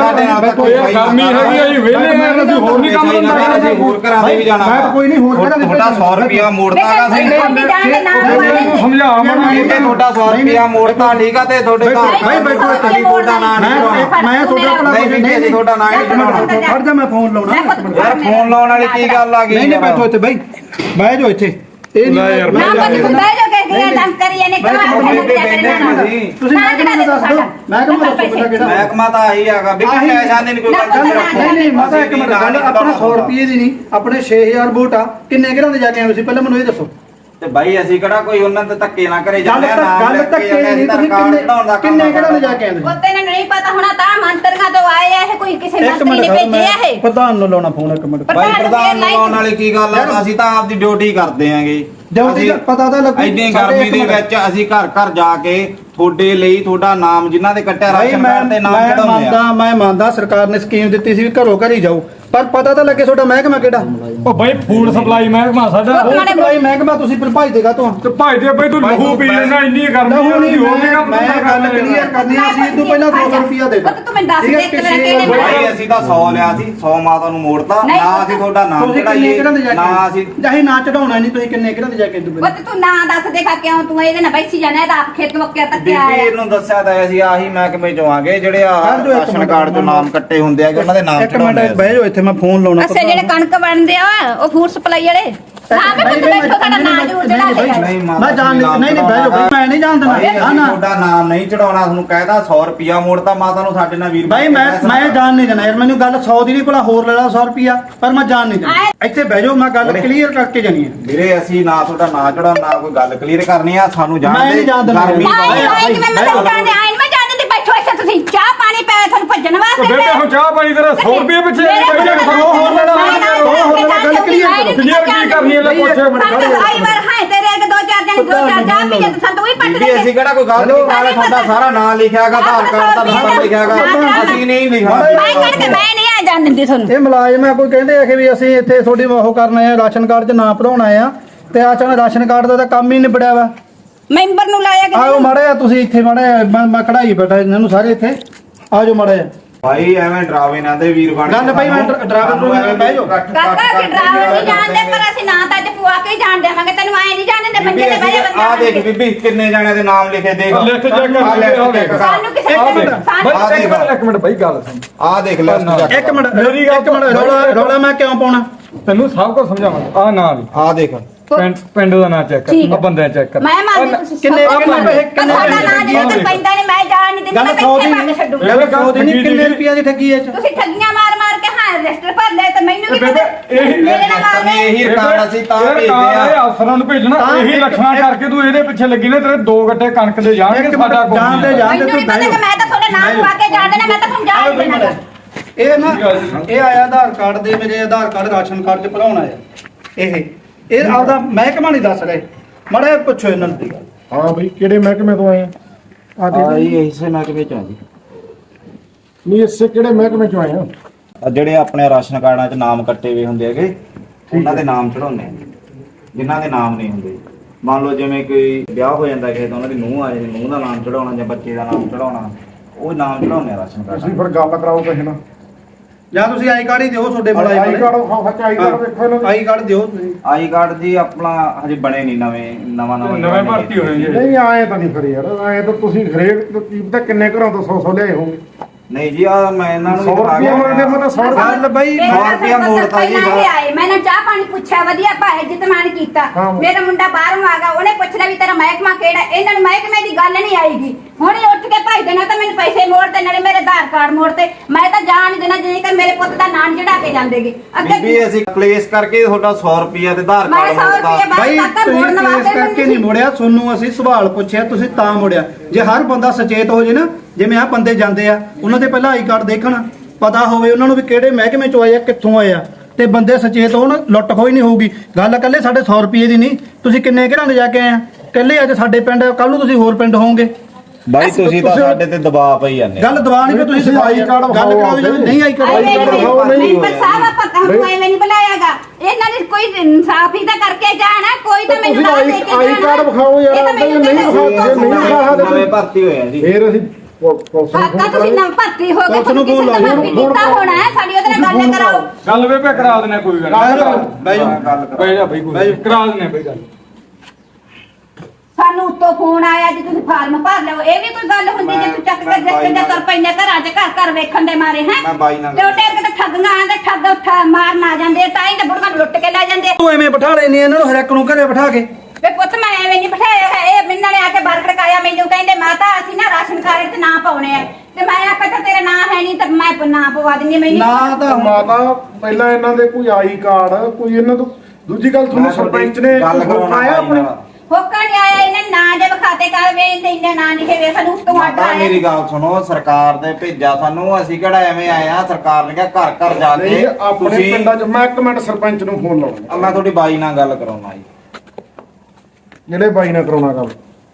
Speaker 2: ਹੈਗੀ ਆ ਜੀ, ਵਿਹਲੇ ਆ ਅਸੀਂ ਹੋਰ ਨਹੀਂ ਕੰਮ ਕਰਨਾ।
Speaker 1: ਅਸੀਂ ਹੋਰ ਘਰਾਂ ਦੇ ਵੀ ਜਾਣਾ।
Speaker 3: ਮੈਂ ਤਾਂ ਕੋਈ ਨਹੀਂ ਹੋਰ ਘਰਾਂ ਦੇ
Speaker 1: ਤੁਹਾਡਾ 100 ਰੁਪਿਆ ਮੋੜਤਾਗਾ ਅਸੀਂ
Speaker 2: ਸਮਝਾ
Speaker 1: ਤੁਹਾਡਾ 100 ਰੁਪਿਆ ਮੋੜਤਾ ਠੀਕ ਆ ਤੇ ਤੁਹਾਡੇ ਘਰ
Speaker 3: ਬਾਈ ਬੈਠੋ
Speaker 1: ਅਸੀਂ ਤੁਹਾਡਾ ਨਾਂ ਨਹੀਂ
Speaker 3: ਮੈਂ ਤੁਹਾਡਾ ਆਪਣਾ
Speaker 1: ਨਹੀਂ ਤੁਹਾਡਾ ਨਾਂ ਨਹੀਂ ਚੜਾਉਣਾ।
Speaker 3: ਫੜ ਜਾ, ਮੈਂ ਫੋਨ ਲਾਉਣਾ।
Speaker 1: ਯਾਰ ਫੋਨ ਲਾਉਣ ਵਾਲੀ ਕੀ ਗੱਲ ਆ ਗਈ?
Speaker 3: ਨਹੀਂ ਨਹੀਂ ਬੈਠੋ ਇੱਥੇ ਬਾਈ, ਬਹਿ ਜਾਓ ਇੱਥੇ। ਇਹ
Speaker 2: ਲੈ ਯਾਰ,
Speaker 3: ਨਹੀਂ
Speaker 4: ਤੁਸੀਂ
Speaker 3: ਮਹਿਕਮੇ ਦਾ ਦੱਸ ਦਿਓ। ਮਹਿਕਮਾ ਦੱਸੋ ਪਹਿਲਾਂ ਕਿਹੜਾ?
Speaker 1: ਮਹਿਕਮਾ ਤਾਂ ਆਹੀ ਹੈਗਾ ਵੀ
Speaker 3: ਆਹੀ।
Speaker 1: ਪੈਸਾ ਨਹੀਂ ਕੋਈ ਗੱਲ
Speaker 3: ਨਹੀਂ ਨਹੀਂ ਮਾਤਾ ਇੱਕ ਮਿੰਟ, ਗੱਲ ਆਪਣਾ 100 ਰੁਪਏ ਦੀ ਨਹੀਂ, ਆਪਣੇ 6000 ਵੋਟ ਆ। ਕਿੰਨੇ ਘਰਾਂ ਦੇ ਜਾ ਕੇ ਆਏ ਤੁਸੀਂ ਪਹਿਲਾਂ ਮੈਨੂੰ ਇਹ ਦੱਸੋ।
Speaker 1: ਤੇ ਬਾਈ ਅਸੀਂ ਕਿਹੜਾ ਕੋਈ ਉਹਨਾਂ ਤੇ ਧੱਕੇ ਨਾ ਕਰੇ
Speaker 3: ਗੱਲ
Speaker 1: ਜਾਂਦੇ ਆ।
Speaker 3: ਗੱਲ ਤੱਕ ਨਹੀਂ, ਤੁਸੀਂ ਕਿੰਨੇ ਘਰਾਂ ਦੇ ਜਾ ਕੇ ਆਏ ਤੁਸੀਂ?
Speaker 4: ਉੱਤੇ ਨੂੰ ਨਹੀਂ ਪਤਾ ਹੋਣਾ ਤਾਂ ਮੰਤਰੀਆਂ ਤੋਂ ਆਏ ਆ ਇਹ, ਕੋਈ ਕਿਸੇ
Speaker 3: ਇੱਕ
Speaker 4: ਮੰਤਰੀ ਨੇ
Speaker 3: ਮਿੰਟ
Speaker 4: ਭੇਜਿਆ ਇਹ।
Speaker 3: ਪ੍ਰਧਾਨ ਨੂੰ ਲਾਉਣਾ ਫੋਨ। 1 ਮਿੰਟ
Speaker 1: ਬਾਈ ਪ੍ਰਧਾਨ ਨੂੰ ਲਾਉਣ ਵਾਲੀ ਕੀ ਗੱਲ ਆ? ਅਸੀਂ ਤਾਂ ਆਪਦੀ ਡਿਊਟੀ ਕਰਦੇ ਆਂਗੇ।
Speaker 3: ਡਿਊਟੀ ਦਾ ਪਤਾ ਤਾਂ ਲੱਗੂ।
Speaker 1: ਇੰਨੀ ਗਰਮੀ ਦੇ ਵਿੱਚ ਅਸੀਂ ਘਰ ਘਰ ਜਾ ਕੇ ਤੁਹਾਡੇ ਲਈ ਤੁਹਾਡਾ ਨਾਮ ਜਿਨ੍ਹਾਂ ਦੇ ਕੱਟਿਆ ਰਾਸ਼ਨ ਕਾਰਡ ਤੇ ਨਾਮ ਚੜਾਉਂਦੇ ਆ।
Speaker 3: ਮੈਂ ਮੰਨਦਾ ਸਰਕਾਰ ਨੇ ਸਕੀਮ ਦਿੱਤੀ ਸੀ ਵੀ ਘਰੋਂ ਘਰ ਹੀ ਜਾਓ, ਪਰ ਪਤਾ ਤਾਂ ਲੱਗੇ ਤੁਹਾਡਾ ਮਹਿਕਮਾ ਕਿਹੜਾ।
Speaker 2: ਉਹ ਬਈ ਫੂਡ ਸਪਲਾਈ ਮਹਿਕਮਾ ਸਾਡਾ।
Speaker 3: ਉਹ ਸਪਲਾਈ ਮਹਿਕਮਾ ਤੁਸੀਂ ਫਿਰ ਭਾਈ ਦੇਗਾ ਤੋਂ।
Speaker 2: ਤੇ ਭਾਈ ਦੇ ਬਈ ਤੂੰ ਲਹੂ ਪੀ ਲੈਣਾ, ਇੰਨੀ ਗਰਮੀ
Speaker 3: ਨਹੀਂ ਮੈਂ ਗੱਲ ਕਲੀਅਰ ਕਰਨੀ ਸੀ। ਇਸ ਤੋਂ ਪਹਿਲਾਂ 200 ਰੁਪਿਆ ਦੇ
Speaker 4: ਪੁੱਤ ਤੂੰ ਮੈਨੂੰ ਦੱਸ ਦੇ ਕਿਹੜੇ
Speaker 1: ਬਾਈ ਅਸੀਂ ਤਾਂ 100 ਲਿਆ ਸੀ, 100 ਮਾਤਾ ਨੂੰ ਮੋੜਤਾ ਨਾ। ਅਸੀਂ ਤੁਹਾਡਾ ਨਾਮ
Speaker 3: ਤੁਸੀਂ ਕਿੰਨੇ
Speaker 1: ਚੜਾਈਏ
Speaker 3: ਕਿਹੜਾ ਦੇ ਜਾ
Speaker 1: ਨਾ
Speaker 3: ਕੇ
Speaker 1: ਅਸੀਂ
Speaker 3: ਜਾਹੀ ਨਾ ਚੜਾਉਣਾ ਨਹੀਂ। ਤੁਸੀਂ ਕਿੰਨੇ ਕਿਹੜਾ ਦੇ ਜਾ ਕੇ ਦੁਬਈ?
Speaker 4: ਪੁੱਤ ਤੂੰ ਨਾ ਦੱਸ ਦੇਖਾ ਕਿਉਂ ਤੂੰ ਇਹਦੇ ਨਾਲ ਬੈਸੀ ਜਾਣਾ? ਇਹਦਾ ਆਪ ਖੇਤ ਮੱਕਿਆ ਤੱਕਿਆ
Speaker 1: ਬੀਬੀ
Speaker 4: ਆਇਆ।
Speaker 1: ਇਹਨੂੰ ਦੱਸਿਆ ਤਾਂ ਅਸੀਂ ਆਹੀ ਮਹਿਕਮੇ ਚੋਂ ਆਗੇ ਜਿਹੜੇ ਆ
Speaker 3: ਕਰ ਦਿਓ ਇੱਕ
Speaker 1: ਰਾਸ਼ਨ
Speaker 3: ਮਿੰਟ,
Speaker 1: ਕਾਰਡ ਤੋਂ ਨਾਮ ਕੱਟੇ ਹੁੰਦੇ ਆ ਕਿ ਉਹਨਾਂ ਦੇ ਨਾਮ
Speaker 3: 1
Speaker 1: ਚੜਾਉਂਦੇ
Speaker 3: ਮਿੰਟ ਬਹਿ ਜਾਓ ਇੱਥੇ, ਮੈਂ ਫੋਨ ਲਾਉਣਾ।
Speaker 4: ਅਸੇ ਜਿਹੜੇ ਕਣਕ ਬਣਦੇ ਆ ਉਹ ਫੂਡ ਸਪਲਾਈ ਵਾਲੇ ਨਾ ਵੀ ਪੁੱਤ ਬੈਠੋ ਤੁਹਾਡਾ ਨਾਂ ਜ਼ਰੂਰ ਚੜਾ ਦੇਗਾ।
Speaker 3: ਮੈਂ ਜਾਣ ਨਹੀਂ ਬਹਿ ਜਾਓ ਬਈ, ਮੈਂ ਨਹੀਂ ਜਾਣ ਦੇਣਾ ਨਾ।
Speaker 1: ਤੁਹਾਡਾ ਨਾਮ ਨਹੀਂ ਚੜਾਉਣਾ। ਤੁਹਾਨੂੰ ਕਹਿਦਾ 100 ਰੁਪਿਆ ਮੋੜਤਾ ਮਾਤਾ ਨੂੰ ਸਾਡੇ ਨਾਲ ਵੀਰ
Speaker 3: ਭਾਈ ਮੈਂ ਜਾਣ ਨਹੀਂ ਦੇਣਾ ਯਾਰ। ਮੈਨੂੰ ਗੱਲ 100 ਦੀ ਨਹੀਂ, ਭਲਾ ਹੋਰ ਲੈ ਲਾ 100 ਰੁਪਿਆ, ਪਰ ਮੈਂ ਜਾਣ ਨਹੀਂ ਦੇਣਾ। ਇੱਥੇ ਬਹਿ ਜਾਓ, ਮੈਂ ਗੱਲ ਕਲੀਅਰ ਕਰਕੇ ਜਾਣੀ ਹੈ।
Speaker 1: ਵੀਰੇ ਅਸੀਂ ਨਾ ਤੁਹਾਡਾ ਨਾਂ ਚੜਾਉਣਾ ਨਾ ਕੋਈ ਗੱਲ ਕਲੀਅਰ ਕਰਨੀ ਆ। ਸਾਨੂੰ ਜਾਣ
Speaker 3: ਮੈਂ ਨਹੀਂ ਜਾਣ ਦੇਣਾ।
Speaker 1: ਗਰਮੀ
Speaker 4: ਆਈ ਆਈ ਕਿ ਮੈਂ ਜਾਣਦੇ ਆਈ ਮੈਂ ਜਾਣਦੇ ਤੇ ਬੈਠੋ ਇੱਥੇ ਤੁਸੀਂ ਚਾਹ ਪਾਣੀ ਪੈ ਤੁਹਾਨੂੰ ਭੱਜਣ ਵਾਸਤੇ।
Speaker 2: ਬੇਬੇ ਹੁਣ ਚਾਹ ਪਾਣੀ ਤੇਰਾ 100 ਰੁਪਏ ਪਿੱਛੇ
Speaker 3: ਹੋਰ ਲੈ ਲਾ, ਗੱਲ ਕਲੀਅਰ
Speaker 2: ਕਲੀਅਰ ਕੀ ਕਰਨੀ ਹੈ? ਲੈ ਪੁੱਛ
Speaker 4: ਆਈ ਵਾਰ ਹਾਂ ਤੇਰੇ ਇੱਕ ਦੋ ਚਾਰ ਚਾਹ ਪੀ ਜਾਂਦੇ ਸੰਤ ਉਹੀ ਪੱਟ
Speaker 1: ਬੀਬੀ ਅਸੀਂ ਕਿਹੜਾ ਕੋਈ ਗਲਤ ਨਹੀਂ ਕਰ ਰਹੇ। ਤੁਹਾਡਾ ਸਾਰਾ ਨਾਂ ਲਿਖਿਆਗਾ, ਆਧਾਰ ਕਾਰਡ ਦਾ ਨੰਬਰ ਲਿਖਿਆਗਾ, ਅਸੀਂ ਨਹੀਂ ਲਿਖਿਆ।
Speaker 4: ਮੈਂ ਕਰਕੇ ਮੈਂ ਨਹੀਂ ਆ ਜਾਣ ਦਿੰਦੀ ਤੁਹਾਨੂੰ।
Speaker 3: ਇਹ ਮੁਲਾਜ਼ਮ ਆ, ਕੋਈ ਕਹਿੰਦੇ ਆ ਕਿ ਵੀ ਅਸੀਂ ਇੱਥੇ ਤੁਹਾਡੀ ਉਹ ਕਰਨਾ ਹੈ, ਰਾਸ਼ਨ ਕਾਰਡ 'ਚ ਨਾਂ ਭਰਾਉਣਾ ਆ, ਤੇ ਆ ਚਾਹਣਾ ਰਾਸ਼ਨ ਕਾਰਡ ਦਾ ਤਾਂ ਕੰਮ ਹੀ ਨਿਬੜਿਆ ਵਾ।
Speaker 4: ਮੈਂਬਰ ਨੂੰ ਲਾਇਆ ਕਿ
Speaker 3: ਆਓ ਮਾੜੇ ਆ ਤੁਸੀਂ ਇੱਥੇ ਮਾੜੇ, ਮੈਂ ਕਢਾਈ ਬੈਠਾ ਇਹਨਾਂ ਨੂੰ ਸਾਰੇ ਇੱਥੇ। ਆਜੋ ਮਾੜੇ ਆ।
Speaker 1: ਭਾਈ ਐਵੇਂ ਡਰਾਵੇ ਨਾ ਦੇ ਵੀਰ ਬਣ
Speaker 3: ਗੱਲ ਭਾਈ ਮੈਂ ਡਰਾਈਵਰ ਨੂੰ ਬਹਿ ਜਾਓ।
Speaker 4: ਕਾਕਾ ਅਸੀਂ ਡਰਾਈਵਰ ਨਹੀਂ ਜਾਣਦੇ ਪਰ ਅਸੀਂ ਨਾਂ ਤਾਂ ਅੱਜ ਪਵਾ ਕੇ ਹੀ ਜਾਣ ਦੇਵਾਂਗੇ। ਤੈਨੂੰ ਆਏ ਨਹੀਂ ਜਾਣਦੇ ਤੇ ਮੰਜੇ ਤੇ ਬਹਿ ਜਾ ਬੰਦਾ।
Speaker 1: ਆ ਦੇਖ ਬੀਬੀ ਕਿੰਨੇ ਜਾਣਿਆਂ ਦੇ ਨਾਮ ਲਿਖੇ ਦੇਖ।
Speaker 2: ਲਿਖ ਚੈੱਕ ਕਰ।
Speaker 4: ਸਾਨੂੰ ਕਿਸੇ
Speaker 2: ਇੱਕ ਮਿੰਟ ਬਈ ਗੱਲ ਸੁਣ।
Speaker 1: ਆ ਦੇਖ ਲੈ
Speaker 3: 1 ਮਿੰਟ ਮੇਰੀ ਗੱਲ, 1 ਮਿੰਟ ਰੌਲਾ ਮੈਂ ਕਿਉਂ ਪਾਉਣਾ?
Speaker 2: ਤੈਨੂੰ ਸਭ ਕੁਝ ਸਮਝਾਵਾਂਗਾ। ਆ ਨਾਂ ਵੀ
Speaker 1: ਆ ਦੇਖ
Speaker 2: ਪਿੰਡ ਦਾ ਨਾਂ ਚੈੱਕ ਕਰ, ਬੰਦੇ ਚੈੱਕ ਕਰ।
Speaker 4: ਮੈਂ ਮੰਨਦੀ ਤੁਸੀਂ
Speaker 3: ਕਿੰਨੇ ਪੈਸੇ ਕਿੰਨੇ
Speaker 4: ਸਾਡਾ ਨਾਂ ਜੇ ਤੇ ਪੈਂਦਾ ਨਹੀਂ ਮੈਂ ਜਾਣ ਨਹੀਂ ਦਿੰਦੀ।
Speaker 3: ਗੱਲ
Speaker 4: ਮੈਂ
Speaker 3: 100
Speaker 4: ਇੱਥੇ
Speaker 3: ਦੀ
Speaker 4: ਪਾ ਕੇ ਛੱਡੂ।
Speaker 3: ਗੱਲ 100 ਦੀ ਨਹੀਂ, ਕਿੰਨੇ ਰੁਪਈਆ ਦੀ ਠੱਗੀ ਐ ਚ?
Speaker 4: ਤੁਸੀਂ ਠੱਗੀਆਂ ਮਾਰ ਕੇ ਹਾਂ ਰਜਿਸਟਰ ਭਰ ਲੈ ਤੇ ਮੈਨੂੰ ਕੀ ਪਤਾ
Speaker 2: ਇਹੀ
Speaker 4: ਮੇਰੇ ਨਾਲ
Speaker 1: ਤਨੇ ਇਹੀ ਰਿਕਾਰਡ ਅਸੀਂ ਤਾਂ ਭੇਜਦੇ ਆ।
Speaker 2: ਇਹ ਅਫਸਰਾਂ ਨੂੰ ਭੇਜਣਾ, ਇਹੀ ਲੱਖਣਾ ਕਰਕੇ ਤੂੰ ਇਹਦੇ ਪਿੱਛੇ ਲੱਗੀ ਨੇ। ਤੇਰੇ 2 ਗੱਟੇ ਕਣਕ ਦੇ ਜਾਣਗੇ, ਸਾਡਾ
Speaker 3: ਜਾਣਦੇ
Speaker 4: ਮੈਨੂੰ ਨਹੀਂ ਪਤਾ ਕਿ ਮੈਂ ਤਾਂ ਤੁਹਾਡੇ ਨਾਂ ਪਵਾ ਕੇ ਜਾਣ ਦੇਣਾ। ਮੈਂ ਤਾਂ ਤੁਹਾਨੂੰ ਜਾਣ ਨਹੀਂ ਦੇਣਾ।
Speaker 3: ਇਹ ਨਾ ਇਹ ਆਇਆ ਆਧਾਰ ਕਾਰਡ ਦੇ ਮੇਰੇ ਆਧਾਰ ਕਾਰਡ ਰਾਸ਼ਨ ਕਾਰਡ 'ਚ ਭਰਾਉਣ ਆਇਆ ਇਹ ਆਪਦਾ ਮਹਿਕਮਾ ਨਹੀਂ ਦੱਸ ਰਹੇ ਮਾੜਾ ਜਿਹਾ ਪੁੱਛੋ ਇਹਨਾਂ ਨੂੰ
Speaker 5: ਹਾਂ ਬਈ ਕਿਹੜੇ ਮਹਿਕਮੇ ਤੋਂ ਆਏ ਆ
Speaker 1: ਆਹੀ ਇਸੇ ਮਹਿਕਮੇ ਚੋਂ ਆ ਜੀ।
Speaker 5: ਨਹੀਂ ਇਸੇ ਕਿਹੜੇ ਮਹਿਕਮੇ ਚੋਂ ਆਏ ਆ
Speaker 1: ਜਿਹੜੇ ਆਪਣੇ ਰਾਸ਼ਨ ਕਾਰਡਾਂ 'ਚ ਨਾਮ ਕੱਟੇ ਹੋਏ ਹੁੰਦੇ ਹੈਗੇ ਉਹਨਾਂ ਦੇ ਨਾਮ ਚੜਾਉਂਦੇ ਆ ਜਿਨ੍ਹਾਂ ਦੇ ਨਾਮ ਨਹੀਂ ਹੁੰਦੇ। ਮੰਨ ਲਓ ਜਿਵੇਂ ਕੋਈ ਵਿਆਹ ਹੋ ਜਾਂਦਾ ਕਿਸੇ ਦਾ ਉਹਨਾਂ ਦੀ ਨੂੰਹ ਆ ਜਾਂਦੀ, ਨੂੰਹ ਦਾ ਨਾਮ ਚੜਾਉਣਾ ਜਾਂ ਬੱਚੇ ਦਾ ਨਾਮ ਚੜਾਉਣਾ, ਉਹ ਨਾਮ ਚੜਾਉਂਦੇ ਆ ਰਾਸ਼ਨ ਕਾਰਡ।
Speaker 5: ਤੁਸੀਂ ਫਿਰ ਗੱਲ ਕਰਾਓ ਕਿਸੇ ਨਾਲ
Speaker 3: ਜਾਂ ਤੁਸੀਂ ਆਈ ਕਾਰਡ ਹੀ ਦਿਓ ਤੁਹਾਡੇ
Speaker 5: ਆਈ
Speaker 3: ਮੁਲਾਜ਼ਮ
Speaker 5: ਕਾਰਡ ਸੱਚ ਆਈ ਕਾਰਡ ਦੇਖੋ ਇਹਨਾਂ
Speaker 3: ਆਈ ਕਾਰਡ ਦਿਓ ਤੁਸੀਂ।
Speaker 1: ਆਈ ਕਾਰਡ ਜੀ ਆਪਣਾ ਹਜੇ ਬਣੇ ਨਹੀਂ ਨਵਾਂ
Speaker 2: ਨਵੇਂ ਭਰਤੀ ਹੋਣੇ ਜੀ।
Speaker 5: ਨਹੀਂ ਆਏ ਤਾਂ ਨਹੀਂ ਫਿਰ ਯਾਰ ਆਏ ਤਾਂ ਤੁਸੀਂ ਹਰੇਕ ਕੀ ਪਤਾ ਕਿੰਨੇ ਘਰੋਂ ਤੋਂ 100 ਲਿਆਏ ਹੋਗੇ
Speaker 1: ਨਹੀਂ ਜੀ ਆ ਮੈਂ ਇਹਨਾਂ ਨੂੰ
Speaker 5: 100 ਰੁਪਏ ਮੰਗਦੇ ਮਤਲਬ 100 ਰੁਪਏ
Speaker 3: ਗੱਲ ਬਈ
Speaker 1: 100 ਰੁਪਇਆ ਮੋੜਤਾ ਜੀ
Speaker 4: ਪਹਿਲਾਂ ਹੀ ਆਏ ਮੈਨੇ ਚਾਹ ਪਾਣੀ ਪੁੱਛਿਆ ਵਧੀਆ ਭਾਈ ਜਿਤਮਾਨ ਕੀਤਾ
Speaker 5: ਹਾਂ।
Speaker 4: ਮੇਰਾ ਮੁੰਡਾ ਬਾਹਰੋਂ ਆ ਗਿਆ ਉਹਨੇ ਪੁੱਛਿਆ ਵੀ ਤੇਰਾ ਮਹਿਕਮਾ ਕਿਹੜਾ ਇਹਨਾਂ ਨੂੰ ਮਹਿਕਮੇ ਦੀ ਗੱਲ ਨਹੀਂ ਆਏਗੀ ਹੁਣ ਇਹ ਉੱਠ ਕੇ ਭਾਈ ਦੇਣਾ ਤਾਂ ਮੈਨੂੰ ਪੈਸੇ ਮੋੜਤੇ ਨਾਲੇ ਮੇਰੇ ਆਧਾਰ ਕਾਰਡ ਮੋੜਤੇ ਮੈਂ ਤਾਂ ਜਾਣ ਨਹੀਂ ਦੇਣਾ ਜਿੰਨੇ ਕਰ ਮੇਰੇ ਪੁੱਤ ਦਾ ਨਾਂ ਚੜਾ ਕੇ ਜਾਂਦੇਗੇ
Speaker 1: ਬੀਬੀ ਅਸੀਂ ਪਲੇਸ ਕਰਕੇ ਤੁਹਾਡਾ 100 ਰੁਪਇਆ ਤੇ ਆਧਾਰ
Speaker 4: ਮੈਂ
Speaker 1: ਕਾਰਡ
Speaker 4: 100
Speaker 1: ਮੋੜਤਾ।
Speaker 3: ਭਾਈ
Speaker 4: ਕਾਕਾ
Speaker 3: ਤੁਸੀਂ
Speaker 4: ਮੋੜਨ
Speaker 3: ਕੇਸ
Speaker 4: ਵਾਸਤੇ
Speaker 3: ਕਰਕੇ ਨਹੀਂ ਮੁੜਿਆ ਤੁਹਾਨੂੰ ਅਸੀਂ ਸਵਾਲ ਪੁੱਛਿਆ ਤੁਸੀਂ ਤਾਂ ਮੁੜਿਆ ਜੇ ਹਰ ਬੰਦਾ ਸੁਚੇਤ ਹੋ ਜੇ ਨਾ ਜਿਵੇਂ ਆ ਬੰਦੇ ਜਾਂਦੇ ਆ ਉਹਨਾਂ ਦੇ ਪਹਿਲਾਂ ਆਈ ਕਾਰਡ ਦੇਖਣ ਪਤਾ ਹੋਵੇ ਉਹਨਾਂ ਨੂੰ ਵੀ ਕਿਹੜੇ ਮਹਿਕਮੇ ਚੋਂ ਆਏ ਆ ਕਿੱਥੋਂ ਆਏ ਆ ਤੇ ਬੰਦੇ ਸੁਚੇਤ ਹੋਣ ਲੁੱਟ ਖੋਈ ਨਹੀਂ ਹੋਊਗੀ। ਗੱਲ ਇਕੱਲੇ ਸਾਡੇ 100 ਰੁਪਏ ਦੀ ਨਹੀਂ ਤੁਸੀਂ ਕਿੰਨੇ ਘਰਾਂ ਦੇ ਜਾ ਕੇ ਆਏ ਆ ਇਕੱਲੇ ਅੱਜ ਸਾਡੇ ਪਿੰਡ ਕੱਲ ਨੂੰ ਤੁਸੀਂ ਹੋਰ ਪਿੰਡ ਹੋਵੋਗੇ।
Speaker 1: ਬਾਈ ਤੁਸੀਂ ਤਾਂ ਸਾਡੇ ਤੇ ਦਬਾਅ ਪਈ ਜਾਂਦੇ
Speaker 3: ਗੱਲ ਦਬਾ ਨਹੀਂ ਪਈ ਤੁਸੀਂ
Speaker 5: ਆਈ ਕਾਰਡ
Speaker 3: ਗੱਲ ਕਰਾਓ ਜੇ ਨਹੀਂ ਆਈ ਕਾਰਡ
Speaker 4: ਨਹੀਂ ਪਰ ਸਾਹਿਬ ਆਪਾਂ ਤੁਹਾਨੂੰ ਐਵੇਂ ਨਹੀਂ ਬੁਲਾਇਆਗਾ ਇਹਨਾਂ ਨੇ ਕੋਈ ਇਨਸਾਫ ਹੀ ਤਾਂ ਕਰਕੇ ਜਾਣਾ ਕੋਈ ਤਾਂ ਮੈਨੂੰ ਨਾ ਦੇ ਕੇ
Speaker 5: ਆਈ ਕਾਰਡ ਵਿਖਾਓ ਯਾਰ
Speaker 4: ਇਹ ਤਾਂ ਮੈਨੂੰ
Speaker 5: ਨਹੀਂ ਵਿਖਾਓ ਜੇ ਨਹੀਂ ਵਿਖਾਇਆ ਤਾਂ
Speaker 1: ਨਵੇਂ ਭਰਤੀ ਹੋਏ ਆ ਜੀ।
Speaker 5: ਫਿਰ ਅਸੀਂ ਪੁਲਿਸ ਨੂੰ
Speaker 4: ਕਾਕਾ ਤੁਸੀਂ ਨਾ ਭਰਤੀ ਹੋ ਗਏ
Speaker 3: ਪੁਲਿਸ ਨੂੰ
Speaker 4: ਤੁਹਾਨੂੰ ਕਿਸੇ
Speaker 3: ਬੋਲੋ,
Speaker 4: ਦਾ ਭਰਤੀ ਕੀਤਾ ਹੋਣਾ ਹੈ ਸਾਡੀ ਉਹਦੇ ਨਾਲ ਗੱਲ ਕਰਾਓ
Speaker 2: ਗੱਲ ਵੇ ਪੇ ਕਰਾ ਦੇਣਾ ਕੋਈ ਗੱਲ
Speaker 3: ਬਈ
Speaker 2: ਬਈ ਜਾ ਬਈ ਕੋਈ ਕਰਾ ਦੇਣਾ ਬਈ ਗੱਲ।
Speaker 4: ਸਾਨੂੰ ਉੱਤੋਂ ਫੋਨ ਆਇਆ ਜੀ ਤੁਸੀਂ ਫਾਰਮ ਭਰ ਲਓ ਇਹ ਵੀ ਕੋਈ ਗੱਲ ਹੁੰਦੀ ਜੇ ਤੂੰ ਚੱਕ ਕੇ ਜਿਸ ਤੇ ਤੁਰ ਪੈਂਦੇ ਘਰਾਂ 'ਚ ਘਰ ਘਰ ਵੇਖਣ ਦੇ ਮਾਰੇ ਹੈ
Speaker 1: ਮੈਂ ਬਾਈ ਨਾਲ
Speaker 4: ਤੇ ਉਹ ਟੇਕ ਤੇ ਠੱਗੀਆਂ ਆਂਦੇ ਠੱਗ ਉੱਠਾ ਮਾਰਨ ਆ ਜਾਂਦੇ ਤਾਂ ਹੀ ਤਾਂ ਬੁੜੀਆਂ ਨੂੰ ਲੁੱਟ ਕੇ ਲੈ ਜਾਂਦੇ
Speaker 3: ਤੂੰ ਐਵੇਂ ਬਿਠਾ ਲੈਣੀ ਇਹਨਾਂ ਨੂੰ ਹਰ ਇੱਕ ਨੂੰ ਘਰੇ ਬਿਠਾ ਕੇ
Speaker 4: ਵੇ ਪੁੱਤ ਮੈਂ ਐਵੇਂ ਨਹੀਂ ਬਿਠਾਇਆ ਹੈ ਇਹ ਮਿੰਨਾਂ ਨੇ ਆ ਕੇ ਬਾਹਰ ਖੜਕਾਇਆ ਮੈਨੂੰ ਕਹਿੰਦੇ ਮਾਤਾ ਅਸੀਂ ਨਾ ਰਾਸ਼ਨ ਕਾਰਡ ਤੇ ਨਾਂ ਪਾਉਣੇ ਆ ਤੇ ਮੈਂ ਆਖਿਆ ਤਾਂ ਤੇਰਾ ਨਾਂ ਹੈ ਨਹੀਂ ਤਾਂ ਮੈਂ ਨਾਂ ਪਵਾ ਦਿੰਦੀ ਮੈਨੂੰ
Speaker 3: ਨਾ ਤਾਂ
Speaker 5: ਮਾਤਾ ਪਹਿਲਾਂ ਇਹਨਾਂ ਦੇ ਕੋਈ ਆਈ ਕਾਰਡ ਕੋਈ ਇਹਨਾਂ ਤੋਂ ਦੂਜੀ ਗੱਲ ਤੁਹਾਨੂੰ ਸਰਪੰਚ ਨੇ
Speaker 1: ਗੱਲ
Speaker 5: ਆਇਆ ਆਪਣੇ
Speaker 4: ਹੋਕਾ ਨਹੀਂ ਆਇਆ ਇਹਨੇ ਨਾਂ ਦੇ ਵਿਖਾਤੇ ਕਰ ਵੇ ਤੇ ਇਹਨੇ ਨਾਂ ਨਹੀਂ ਖੇਵੇ ਸਾਨੂੰ ਉੱਤੋਂ ਆਰਡਰ
Speaker 1: ਮਾਤਾ ਮੇਰੀ
Speaker 4: ਆਇਆ
Speaker 1: ਗੱਲ ਸੁਣੋ ਸਰਕਾਰ ਨੇ ਭੇਜਿਆ ਸਾਨੂੰ ਅਸੀਂ ਕਿਹੜਾ ਐਵੇਂ ਆਏ ਆ ਸਰਕਾਰ ਨੇ ਕਿਹਾ ਘਰ ਘਰ ਜਾ
Speaker 5: ਨਹੀਂ
Speaker 1: ਕੇ
Speaker 5: ਆਪਣੇ
Speaker 1: ਤੁਸੀਂ
Speaker 5: ਪਿੰਡਾਂ 'ਚ ਮੈਂ ਇੱਕ ਮਿੰਟ ਸਰਪੰਚ ਨੂੰ ਫੋਨ ਲਾਉਣਾ
Speaker 1: ਮੈਂ ਤੁਹਾਡੀ ਬਾਈ ਨਾਲ ਗੱਲ ਕਰਾਉਣਾ ਜੀ।
Speaker 5: ਜਿਹੜੇ ਬਾਈ ਨਾਲ ਕਰਾਉਣਾ ਕੰਮ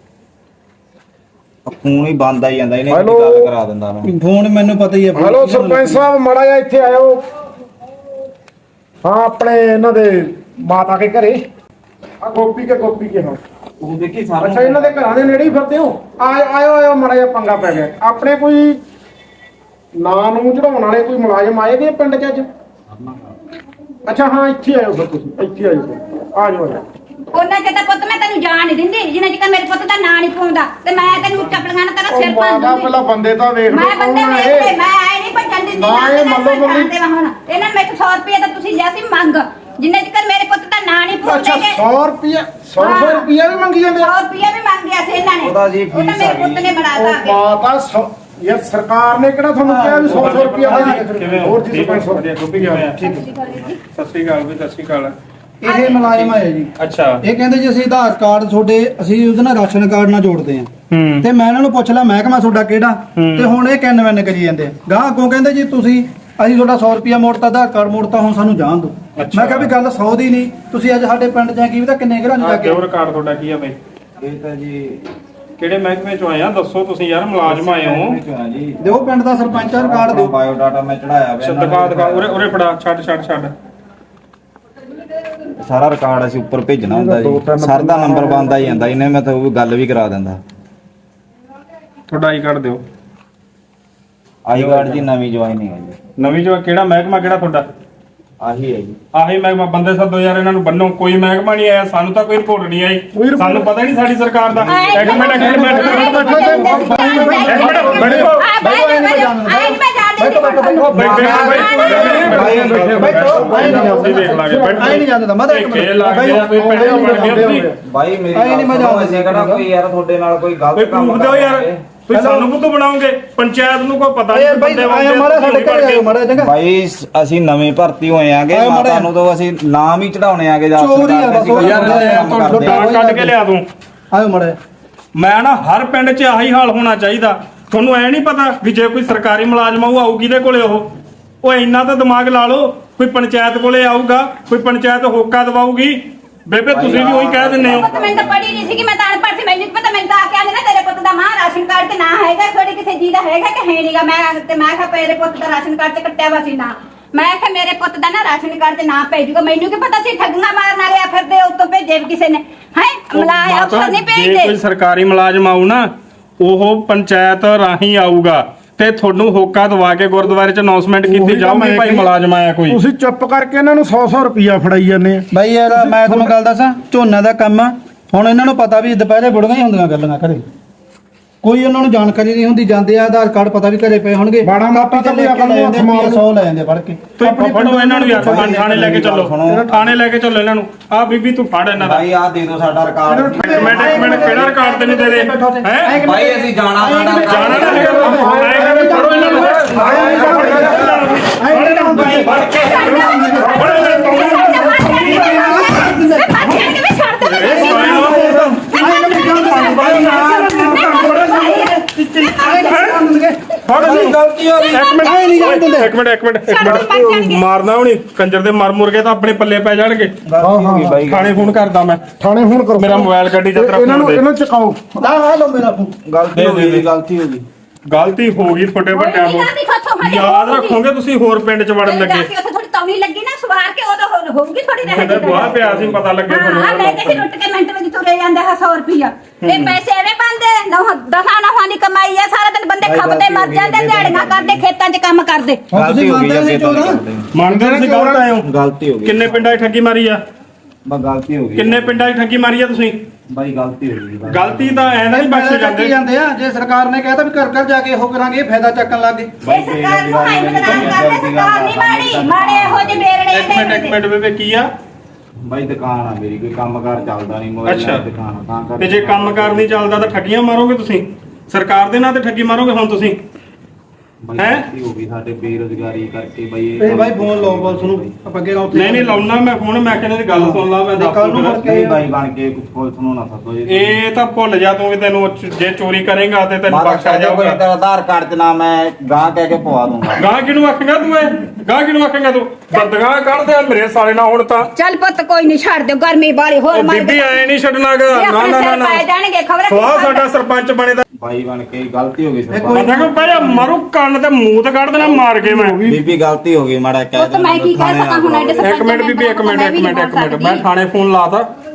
Speaker 1: ਫੋਨ ਹੀ ਬੰਦ ਆਈ ਜਾਂਦਾ ਇਹਨੇ
Speaker 5: ਹੈਲੋ।
Speaker 1: ਗੱਲ ਕਰਾ ਦਿੰਦਾ ਮੈਂ।
Speaker 3: ਫੋਨ ਮੈਨੂੰ ਪਤਾ ਹੀ ਹੈ
Speaker 5: ਹੈਲੋ ਸਰਪੰਚ ਸਾਹਿਬ ਮਾੜਾ ਜਿਹਾ ਇੱਥੇ ਆਇਓ ਹਾਂ ਆਪਣੇ ਇਹਨਾਂ ਦੇ ਮਾਤਾ ਕੇ ਘਰੇ ਆ ਗੋਪੀ ਕੇ ਹਾਂ
Speaker 1: ਉਹ ਦੇਖੀ ਸਾਰਾ
Speaker 5: ਅੱਛਾ ਇਹਨਾਂ ਦੇ ਘਰਾਂ ਦੇ ਨੇੜੇ ਹੀ ਫਿਰਦੇ ਹੋ ਆਇਓ ਮਾੜਾ ਜਿਹਾ ਪੰਗਾ ਪੈ ਗਿਆ ਆਪਣੇ ਕੋਈ ਨਾਂ ਨੂੰ ਚੜਾਉਣ ਵਾਲੇ ਕੋਈ ਮੁਲਾਜ਼ਮ ਆਏ ਨੇ ਪਿੰਡ 'ਚ ਅੱਜ ਅੱਛਾ ਹਾਂ ਇੱਥੇ ਆਇਓ ਫਿਰ ਤੁਸੀਂ ਇੱਥੇ ਆ ਜਾਓ
Speaker 4: ਉਹਨਾਂ ਚ ਤਾਂ ਪੁੱਤ ਮੈਂ ਤੈਨੂੰ ਜਾਣ ਨਹੀਂ ਦਿੰਦੀ ਜਿੰਨਾ ਚਿਰ ਮੇਰੇ ਪੁੱਤ ਦਾ ਨਾਂ ਨਹੀਂ ਪਾਉਂਦਾ ਤੇ ਮੈਂ ਤੈਨੂੰ ਚੱਪਲੀਆਂ ਨਾਲ ਤੇਰਾ ਸਿਰ ਭੰਨ ਦੂੰਗੀ
Speaker 5: ਪਹਿਲਾਂ ਬੰਦੇ ਤਾਂ ਵੇਖ ਲਓ
Speaker 4: ਮੈਂ ਬੰਦੇ ਵੇਖ ਕੇ ਮੈਂ ਆਏ ਨਹੀਂ ਭੱਜਣ ਦਿੰਦੀ
Speaker 5: ਨਾ ਇਹ ਮੱਲੋ ਮੱਲੀ
Speaker 4: ਤੇ ਹੁਣ ਇਹਨਾਂ ਨੇ ਮੈਨੂੰ 100 ਰੁਪਏ ਤਾਂ ਤੁਸੀਂ ਲਿਆ ਸੀ ਮੰਗ ਜਿੰਨੇ ਚਿਰ ਮੇਰੇ ਪੁੱਤ ਦਾ ਨਾਂ ਨਹੀਂ
Speaker 5: ਅੱਛਾ
Speaker 4: ਪਾਉਂਦੇ
Speaker 5: 100 ਰੁਪਿਆ 100 ਰੁਪਿਆ ਵੀ ਮੰਗੀ ਜਾਂਦੇ
Speaker 4: 100 ਰੁਪਏ ਵੀ ਮੰਗਿਆ ਸੀ ਇਹਨਾਂ ਨੇ
Speaker 1: ਉਹਦਾ ਜੀ
Speaker 4: ਉਹ ਤਾਂ
Speaker 1: ਫੀਸ
Speaker 4: ਮੇਰੇ
Speaker 1: ਆ
Speaker 4: ਪੁੱਤ ਨੇ
Speaker 1: ਗਈ।
Speaker 4: ਬਣਾਤਾ
Speaker 5: ਉਹ ਮਾਤਾ ਯਾਰ ਸਰਕਾਰ ਨੇ ਕਿਹੜਾ ਤੁਹਾਨੂੰ ਕਿਹਾ ਵੀ 100 ਰੁਪਿਆ ਦੇ ਹੋਰ ਜੀ ਸਰਪੰਚ
Speaker 2: ਵਧੀਆ ਗੋਪੀ ਕਿਵੇਂ ਆ?
Speaker 5: ਠੀਕ
Speaker 2: ਸਤਿ ਸ੍ਰੀ ਅਕਾਲ ਵੀ ਸਤਿ ਸ੍ਰੀ ਅਕਾਲ।
Speaker 3: ਇਹ ਮੁਲਾਜ਼ਮ ਆਇਆ ਜੀ
Speaker 2: ਅੱਛਾ
Speaker 3: ਇਹ ਕਹਿੰਦੇ ਜੀ ਅਸੀਂ ਆਧਾਰ ਕਾਰਡ ਤੁਹਾਡੇ ਅਸੀਂ ਉਹਦੇ ਨਾਲ ਰਾਸ਼ਨ ਕਾਰਡ ਨਾਲ ਜੋੜਦੇ ਆ
Speaker 2: ਹੂੰ
Speaker 3: ਤੇ ਮੈਂ ਇਹਨਾਂ ਨੂੰ ਪੁੱਛ ਲਿਆ ਮਹਿਕਮਾ ਤੁਹਾਡਾ ਕਿਹੜਾ ਤੇ ਹੁਣ ਇਹ ਕਿੰਨਵੇਂ ਕਰੀ ਜਾਂਦੇ ਆ ਗਾਂ ਅੱਗੋਂ ਕਹਿੰਦੇ ਜੀ ਤੁਸੀਂ ਅਸੀਂ ਤੁਹਾਡਾ 100 ਰੁਪਿਆ ਮੋੜਤਾ ਆਧਾਰ ਕਾਰਡ ਮੋੜਤਾ ਹੁਣ ਸਾਨੂੰ ਜਾਣ ਦਿਓ
Speaker 2: ਅੱਛਾ।
Speaker 3: ਮੈਂ ਕਿਹਾ ਵੀ ਗੱਲ 100 ਦੀ ਨਹੀਂ ਤੁਸੀਂ ਅੱਜ ਸਾਡੇ ਪਿੰਡ ਜਾਂ ਕੀ ਵੀ ਤਾਂ ਕਿੰਨੇ ਘਰਾਂ 'ਚ ਜਾ ਕੇ
Speaker 2: ਜੋ ਰਿਕਾਰਡ ਤੁਹਾਡਾ ਕੀ ਆ ਬਈ
Speaker 1: ਇਹ ਤਾਂ ਜੀ
Speaker 2: ਕਿਹੜੇ ਮਹਿਕਮੇ ਚੋਂ ਆਏ ਆ ਦੱਸੋ ਤੁਸੀਂ ਯਾਰ ਮੁਲਾਜ਼ਮ ਆਏ ਹੋ
Speaker 1: ਜੀ
Speaker 3: ਦਿਓ ਪਿੰਡ ਦਾ ਸਰਪੰਚ ਦਾ ਕਾਰਡ ਦਿਓ
Speaker 1: ਬਾਇਓ ਡਾਟਾ ਮੈਂ ਚੜਾਇਆ ਹੋਇਆ ਇਹਨਾਂ
Speaker 2: ਦਿਖਾ
Speaker 1: ਦਾ।
Speaker 2: ਦਿਖਾ ਉਰੇ ਫੜਾ ਛੱਡ
Speaker 1: ਸਾਰਾ ਰਿਕਾਰਡ ਅਸੀਂ ਉੱਪਰ ਭੇਜਣਾ ਹੁੰਦਾ
Speaker 5: ਦੋ
Speaker 1: ਜੀ
Speaker 5: ਤਿੰਨ
Speaker 1: ਸਰ ਦਾ ਨੰਬਰ ਬੰਦ ਆਈ ਜਾਂਦਾ ਇਹਨੇ ਮੈਂ ਤਾਂ ਉਹ ਗੱਲ ਵੀ ਕਰਾ ਦਿੰਦਾ।
Speaker 2: ਤੁਹਾਡਾ ਆਈ ਕਾਰਡ ਦਿਓ
Speaker 1: ਆਈ ਕਾਰਡ ਜੀ ਨਵੀਂ ਜੁਆਇਨਿੰਗ ਹੈ ਜੀ
Speaker 2: ਨਵੀਂ ਜੋ ਕਿਹੜਾ ਮਹਿਕਮਾ ਕਿਹੜਾ ਤੁਹਾਡਾ
Speaker 1: ਆਹੀ ਹੈ ਜੀ।
Speaker 2: ਆਹੀ ਮਹਿਕਮਾ ਬੰਦੇ ਸੱਦੋ ਯਾਰ ਇਹਨਾਂ ਨੂੰ ਬੰਨੋ ਕੋਈ ਮਹਿਕਮਾ ਨਹੀਂ ਆਇਆ ਸਾਨੂੰ ਤਾਂ ਕੋਈ ਰਿਪੋਰਟ ਨਹੀਂ ਆਈ ਸਾਨੂੰ ਪਤਾ ਹੀ ਨਹੀਂ ਸਾਡੀ ਸਰਕਾਰ ਦਾ ਇੱਕ ਮਿੰਟ
Speaker 3: ਆਈ ਨਹੀਂ ਜਾਂਦਾ ਮੈਂ ਤਾਂ ਇੱਕ ਮਿੰਟ
Speaker 1: ਬਾਈ ਮੇਰੀ
Speaker 3: ਆਈ ਨਹੀਂ
Speaker 1: ਗੱਲ
Speaker 3: ਮਜ਼ਾ
Speaker 1: ਸੁਣੋ, ਅਸੀਂ ਕਿਹੜਾ ਕੋਈ ਯਾਰ ਤੁਹਾਡੇ ਨਾਲ ਕੋਈ ਗਲਤ ਕੰਮ
Speaker 2: ਪ੍ਰੂਫ ਦਿਓ ਯਾਰ ਤੁਸੀਂ ਸਾਨੂੰ ਕਿੱਥੋਂ ਬਣਾਓਗੇ ਪੰਚਾਇਤ ਨੂੰ ਕੋਈ ਪਤਾ ਨਹੀਂ
Speaker 3: ਬਾਈ ਆਇਆ ਮਾੜਾ ਸਾਡੇ ਘਰੇ ਆਇਓ ਮਾੜਾ ਚੰਗਾ
Speaker 1: ਬਾਈ ਅਸੀਂ ਨਵੇਂ ਭਰਤੀ ਹੋਏ ਆਂਗੇ
Speaker 3: ਆਏ ਮਾੜੇ।
Speaker 1: ਮਾਤਾ ਨੂੰ ਤਾਂ ਅਸੀਂ ਨਾਮ ਹੀ ਚੜਾਉਣੇ ਆਂਗੇ ਜਾਂ
Speaker 3: ਚੋਰੀ ਆ ਬਸ ਉਹ
Speaker 2: ਯਾਰ ਤੁਹਾਨੂੰ ਡਾਂਟ ਕੱਢ ਕੇ ਲਿਆ ਦੂੰ
Speaker 3: ਆਇਓ ਮਾੜਾ
Speaker 2: ਮੈਂ ਨਾ ਹਰ ਪਿੰਡ 'ਚ ਆਹੀ ਹਾਲ ਹੋਣਾ ਚਾਹੀਦਾ ਤੁਹਾਨੂੰ ਐ ਨਹੀਂ ਪਤਾ ਵੀ ਜੇ ਕੋਈ ਸਰਕਾਰੀ ਮੁਲਾਜ਼ਮ ਆਊ ਕਿਹਦੇ ਕੋਲੇ ਉਹ ਉਹ ਇੰਨਾ ਤਾਂ ਦਿਮਾਗ ਲਾ ਲਓ, ਕੋਈ ਪੰਚਾਇਤ ਕੋਲੇ ਆਊਗਾ, ਕੋਈ ਪੰਚਾਇਤ ਹੋਕਾ ਦਵਾਊਗੀ। ਬੇਬੇ ਤੁਸੀਂ ਵੀ ਉਹੀ ਕਹਿ ਦਿੰਦੇ ਹੋ।
Speaker 4: ਪੁੱਤ ਮੈਨੂੰ ਤਾਂ ਪੜੀ ਨਹੀਂ ਸੀ ਕਿ ਮੈਂ ਤਾਂ ਅਨਪੜ੍ਹ ਸੀ, ਮੈਨੂੰ ਨੀ ਪਤਾ। ਮੈਨੂੰ ਤਾਂ ਆ ਕੇ ਆਂਦੇ ਨਾ ਤੇਰੇ ਪੁੱਤ ਦਾ ਮਾਂ ਰਾਸ਼ਨ ਕਾਰਡ ਤੇ ਨਾ ਹੈਗਾ, ਥੋੜੀ ਕਿਸੇ ਜੀ ਦਾ ਹੈਗਾ ਕਿ ਹੈ ਨਹੀਂਗਾ। ਮੈਂ ਕਿਹਾ ਮੇਰੇ ਪੁੱਤ ਦਾ ਰਾਸ਼ਨ ਕਾਰਡ ਤੇ ਕੱਟਿਆ ਵਾ ਸੀ ਨਾ। ਮੈਂ ਕਿਹਾ ਮੇਰੇ ਪੁੱਤ ਦਾ ਨਾ ਰਾਸ਼ਨ ਕਾਰਡ ਤੇ ਨਾ ਭੇਜੂਗਾ। ਮੈਨੂੰ ਕੀ ਪਤਾ ਸੀ ਠੱਗੀਆਂ ਮਾਰਨ ਵਾਲੇ ਆ ਫਿਰਦੇ, ਉੱਤੋਂ ਭੇਜੇ ਵੀ ਕਿਸੇ ਨੇ ਹੈ ਮਲਾਇਆ ਅਫਸਰ ਨਹੀਂ
Speaker 2: ਜੇ ਕੋਈ
Speaker 4: ਭੇਜਦੇ।
Speaker 2: ਸਰਕਾਰੀ ਮੁਲਾਜ਼ਮ ਆਊ ਨਾ, ਉਹ ਪੰਚਾਇਤ ਰਾਹੀਂ ਆਊਗਾ ਤੇ ਤੁਹਾਨੂੰ ਹੋਕਾ ਦਵਾ ਕੇ ਗੁਰਦੁਆਰੇ 'ਚ ਅਨਾਉਂਸਮੈਂਟ ਕੀਤੀ ਜਾਊਗੀ ਭਾਈ ਮੁਲਾਜ਼ਮ ਆਇਆ ਕੋਈ।
Speaker 5: ਤੁਸੀਂ ਚੁੱਪ ਕਰਕੇ ਇਹਨਾਂ ਨੂੰ 100 ਰੁਪਿਆ ਫੜਾਈ ਜਾਂਦੇ ਆ।
Speaker 3: ਬਾਈ ਯਾਰ ਮੈਂ ਤੁਹਾਨੂੰ ਗੱਲ ਦੱਸਾਂ, ਝੋਨਾ ਦਾ ਕੰਮ ਆ। ਹੁਣ ਇਹਨਾਂ ਨੂੰ ਪਤਾ ਵੀ ਦੁਪਹਿਰੇ ਬੁੜੀਆਂ ਹੀ ਹੁੰਦੀਆਂ ਗੱਲਾਂ ਘਰੇ, ਕੋਈ ਉਹਨਾਂ ਨੂੰ ਜਾਣਕਾਰੀ ਨਹੀਂ ਹੁੰਦੀ। ਜਾਂਦੇ ਆ ਆਧਾਰ ਕਾਰਡ ਪਤਾ ਵੀ ਘਰੇ ਪਏ ਹੋਣਗੇ,
Speaker 5: ਬਾੜਾ ਮਾਪੀ ਤਾਂ ਕੋਈ ਅਕਲ ਨੂੰ ਹੱਥ ਮਾਰ
Speaker 3: 100 ਲੈ ਜਾਂਦੇ ਫੜ ਕੇ।
Speaker 2: ਤੁਸੀਂ ਫੜੋ ਇਹਨਾਂ ਨੂੰ ਯਾਰ, ਥਾਣੇ ਲੈ ਕੇ ਚੱਲੋ, ਥਾਣੇ ਲੈ ਕੇ ਚੱਲੋ ਇਹਨਾਂ ਨੂੰ। ਆ ਬੀਬੀ ਤੂੰ ਫੜ ਇਹਨਾਂ ਦਾ।
Speaker 1: ਭਾਈ ਆਹ ਦੇ ਦਿਓ ਸਾਡਾ ਰਿਕਾਰਡ।
Speaker 2: ਇੱਕ ਮਿੰਟ ਕਿਹੜਾ ਰਿਕਾਰਡ ਤੈਨੂੰ ਦੇ ਦੇ ਹੈ?
Speaker 1: ਭਾਈ ਅਸੀਂ ਜਾਣਾ
Speaker 2: ਜਾਣਾ ਨਾ ਹੈਗਾ, ਮੈਂ ਕਹਿੰਦਾ ਫੜੋ ਇਹਨਾਂ ਨੂੰ।
Speaker 3: ਗਲਤੀ ਹੋ ਗਈ।
Speaker 2: ਇੱਕ ਮਿੰਟ ਮਾਰਨਾ ਹੁਣੀ ਕੰਜਰ ਦੇ ਮਰ ਮੁਰ ਗਏ ਤਾਂ ਆਪਣੇ ਪੱਲੇ ਪੈ ਜਾਣਗੇ।
Speaker 1: ਬਾਈ
Speaker 2: ਥਾਣੇ ਫੋਨ ਕਰਦਾ ਮੈਂ,
Speaker 5: ਥਾਣੇ ਫੋਨ ਕਰੋ।
Speaker 2: ਮੇਰਾ ਮੋਬਾਈਲ ਗੱਡੀ 'ਚ ਤੇਰਾ
Speaker 5: ਇਹਨਾਂ
Speaker 2: ਫੋਨ
Speaker 5: ਨੂੰ
Speaker 2: ਦੇ।
Speaker 5: ਇਹਨਾਂ ਨੂੰ ਚਕਾਓ।
Speaker 3: ਆ ਲਓ ਮੇਰਾ ਫੋਨ।
Speaker 1: ਗਲਤੀ ਹੋ ਗਈ, ਗਲਤੀ ਹੋ ਗਈ।
Speaker 2: ਗਲਤੀ ਹੋ ਗਈ ਤੁਹਾਡੇ ਵੱਡਿਆਂ ਤੋਂ। ਯਾਦ ਰੱਖੋਗੇ ਤੁਸੀਂ ਹੋਰ ਪਿੰਡ 'ਚ ਵੜਨ ਲੱਗੇ।
Speaker 4: ਉੱਥੇ ਥੋੜੀ ਤੌਣੀ ਲੱਗੀ ਨਾ ਸਵਾਰ ਕੇ ਉਦੋਂ ਹੋਊਗੀ ਥੋੜੀ
Speaker 2: ਇਹਦਾ ਬਾਹਰ ਪਿਆ ਸੀ, ਪਤਾ ਲੱਗੇ
Speaker 4: ਹਾਂ ਲੈ ਕੇ ਫਿਰ ਉੱਠ ਕੇ ਮਿੰਟ ਵਿੱਚ ਤੁਰੇ ਜਾਂਦਾ ਹੈ 100 ਰੁਪਿਆ। ਇਹ ਪੈਸੇ ਐਵੇਂ ਬੰਦੇ ਦਸਾਂ ਨਹਾਂ ਦੀ ਕਮਾਈ ਆ। ਸਾਰਾ ਦਿਨ ਬੰਦੇ ਖਪਦੇ ਮਰ ਜਾਂਦੇ, ਦਿਹਾੜੀਆਂ ਕਰਦੇ, ਖੇਤਾਂ 'ਚ ਕੰਮ ਕਰਦੇ।
Speaker 1: ਗਲਤੀ ਹੋ ਗਈ, ਅੱਗੇ ਤੋਂ ਨਹੀਂ
Speaker 3: ਚੋਦਾਂ?
Speaker 1: ਕਰਦੇ।
Speaker 2: ਮੰਨਦੇ ਤੁਸੀਂ ਗਲਤ ਆਏ ਹੋ।
Speaker 1: ਗਲਤੀ ਹੋ ਗਈ।
Speaker 2: ਕਿੰਨੇ ਪਿੰਡਾਂ 'ਚ ਠੱਗੀ ਮਾਰੀ ਆ?
Speaker 1: ਬਸ ਗਲਤੀ ਹੋ ਗਈ।
Speaker 2: ਕਿੰਨੇ ਪਿੰਡਾਂ 'ਚ ਠੱਗੀ ਮਾਰੀ ਆ ਤੁਸੀਂ?
Speaker 1: ਬਾਈ ਗਲਤੀ ਹੋ ਗਈ।
Speaker 2: ਗਲਤੀ ਤਾਂ ਐ ਨਹੀਂ ਬਖਸ਼ੇ ਜਾਂਦੇ।
Speaker 3: ਜਾਂਦੇ ਆ। ਜੇ ਸਰਕਾਰ ਨੇ ਕਹਿਤਾ ਵੀ ਘਰ ਘਰ ਜਾ ਕੇ ਉਹ ਕਰਾਂਗੇ, ਇਹ ਫਾਇਦਾ ਚੱਕਣ ਲੱਗ ਗਏ।
Speaker 4: ਇਹ ਸਰਕਾਰ ਨੂੰ ਹਾਈ ਬਦਨਾਮ ਕਰਦੇ, ਸਰਕਾਰ ਨਹੀਂ ਮਾੜੀ ਮਾੜੇ ਇਹੋ ਜਿਹੇ ਬੇਰੜੇ
Speaker 2: ਇੱਕ ਮਿੰਟ ਬੇਬੇ ਕੀ ਆ?
Speaker 1: ਬਾਈ ਦੁਕਾਨ ਆ ਮੇਰੀ, ਕੋਈ ਕੰਮਕਾਰ ਚੱਲਦਾ ਨਹੀਂ, ਮੋਬਾਈਲ
Speaker 2: ਅੱਛਾ।
Speaker 1: ਦੀ ਦੁਕਾਨ ਆ, ਤਾਂ
Speaker 2: ਤੇ
Speaker 1: ਕਰਕੇ
Speaker 2: ਜੇ ਕੰਮ ਨਹੀਂ ਚੱਲਦਾ ਤਾਂ ਠੱਗੀਆਂ ਮਾਰੋਗੇ ਤੁਸੀਂ? ਸਰਕਾਰ ਦੇ ਨਾਂ ਤੇ ਠੱਗੀ ਮਾਰੋਗੇ ਹੁਣ ਤੁਸੀਂ?
Speaker 1: ਬਾਈ
Speaker 2: ਹੈਂ?
Speaker 1: ਗਲਤੀ ਹੋ ਗਈ ਸਾਡੇ ਬੇਰੁਜ਼ਗਾਰੀ ਕਰਕੇ ਬਾਈ।
Speaker 3: ਇਹ ਬਾਈ ਫੋਨ ਲਾਓ ਪੁਲਿਸ ਨੂੰ, ਆਪਾਂ ਅੱਗੇ ਉੱਥੇ
Speaker 2: ਨਹੀਂ ਲਾਉਣਾ ਮੈਂ ਫੋਨ। ਮੈਂ ਕਹਿੰਦਾ ਦੀ ਗੱਲ ਸੁਣ ਲਾ, ਮੈਂ ਦੱਸ
Speaker 3: ਕੱਲ੍ਹ ਨੂੰ
Speaker 2: ਦੂੰਗਾ।
Speaker 3: ਮੁੜ ਕੇ
Speaker 1: ਨਹੀਂ ਬਾਈ ਬਣ ਕੇ ਕੁਝ ਪੁਲਿਸ ਨੂੰ ਨਾ ਸੱਦੋ ਜੀ।
Speaker 2: ਇਹ ਤਾਂ ਭੁੱਲ ਜਾ ਤੂੰ ਵੀ, ਤੈਨੂੰ ਜੇ ਚੋਰੀ ਕਰੇਗਾ ਤੇ ਤੈਨੂੰ ਬਖਸ਼ਿਆ ਜਾਊਗਾ।
Speaker 1: ਤੇਰਾ ਆਧਾਰ ਕਾਰਡ 'ਚ ਨਾ ਮੈਂ ਗਾਂ ਕਹਿ ਕੇ ਪਵਾ ਦੂੰਗਾ।
Speaker 2: ਗਾਂ ਕਿਹਨੂੰ ਆਖੇਗਾ ਤੂੰ? ਗਾਂ ਕਿਹਨੂੰ ਆਖੇਗਾ ਤੂੰ? ਦੰਦਗਾਂ ਕੱਢਦੇ ਆ ਮੇਰੇ ਸਾਲੇ ਨਾਲ ਹੁਣ ਤਾਂ।
Speaker 4: ਚੱਲ ਪੁੱਤ ਕੋਈ ਨਹੀਂ, ਛੱਡ ਦਿਓ, ਗਰਮੀ ਬਾਲੀ ਹੋਰ
Speaker 2: ਉਹ
Speaker 4: ਮਰ
Speaker 2: ਬੀਬੀ ਐ ਨਹੀਂ ਛੱਡਣਾਗਾ। ਨਾ ਨਾ ਨਾ
Speaker 4: ਪੈ ਜਾਣਗੇ ਖਬਰ।
Speaker 2: ਸਵਾਹ ਸਾਡਾ ਸਰਪੰਚ ਬਣੇ ਦਾ।
Speaker 1: ਬਾਈ ਬਣ ਕੇ ਗਲਤੀ ਹੋ ਗਈ
Speaker 3: ਕੋਈ-
Speaker 1: ਸਰਪੰਚ।
Speaker 2: ਬੰਦਾ ਕੋ ਪਹਿਲਾਂ ਮਰੂ ਕੰਨ ਤੇ ਮੂੰਹ ਤੇ ਕੱਢ ਦੇਣਾ ਮਾਰ ਕੇ ਮੈਂ।
Speaker 1: ਬੀਬੀ ਗਲਤੀ ਹੋ ਗਈ, ਮਾੜਾ ਕਹਿ
Speaker 4: ਪੁੱਤ ਮੈਂ ਕੀ ਕਹਿ ਸਕਾਂ ਹੁਣ ਐਡੇ
Speaker 2: ਇੱਕ ਮਿੰਟ ਬੀਬੀ, ਇੱਕ ਮਿੰਟ ਮੈਂ ਥਾਣੇ ਫੋਨ ਲਾਤਾ।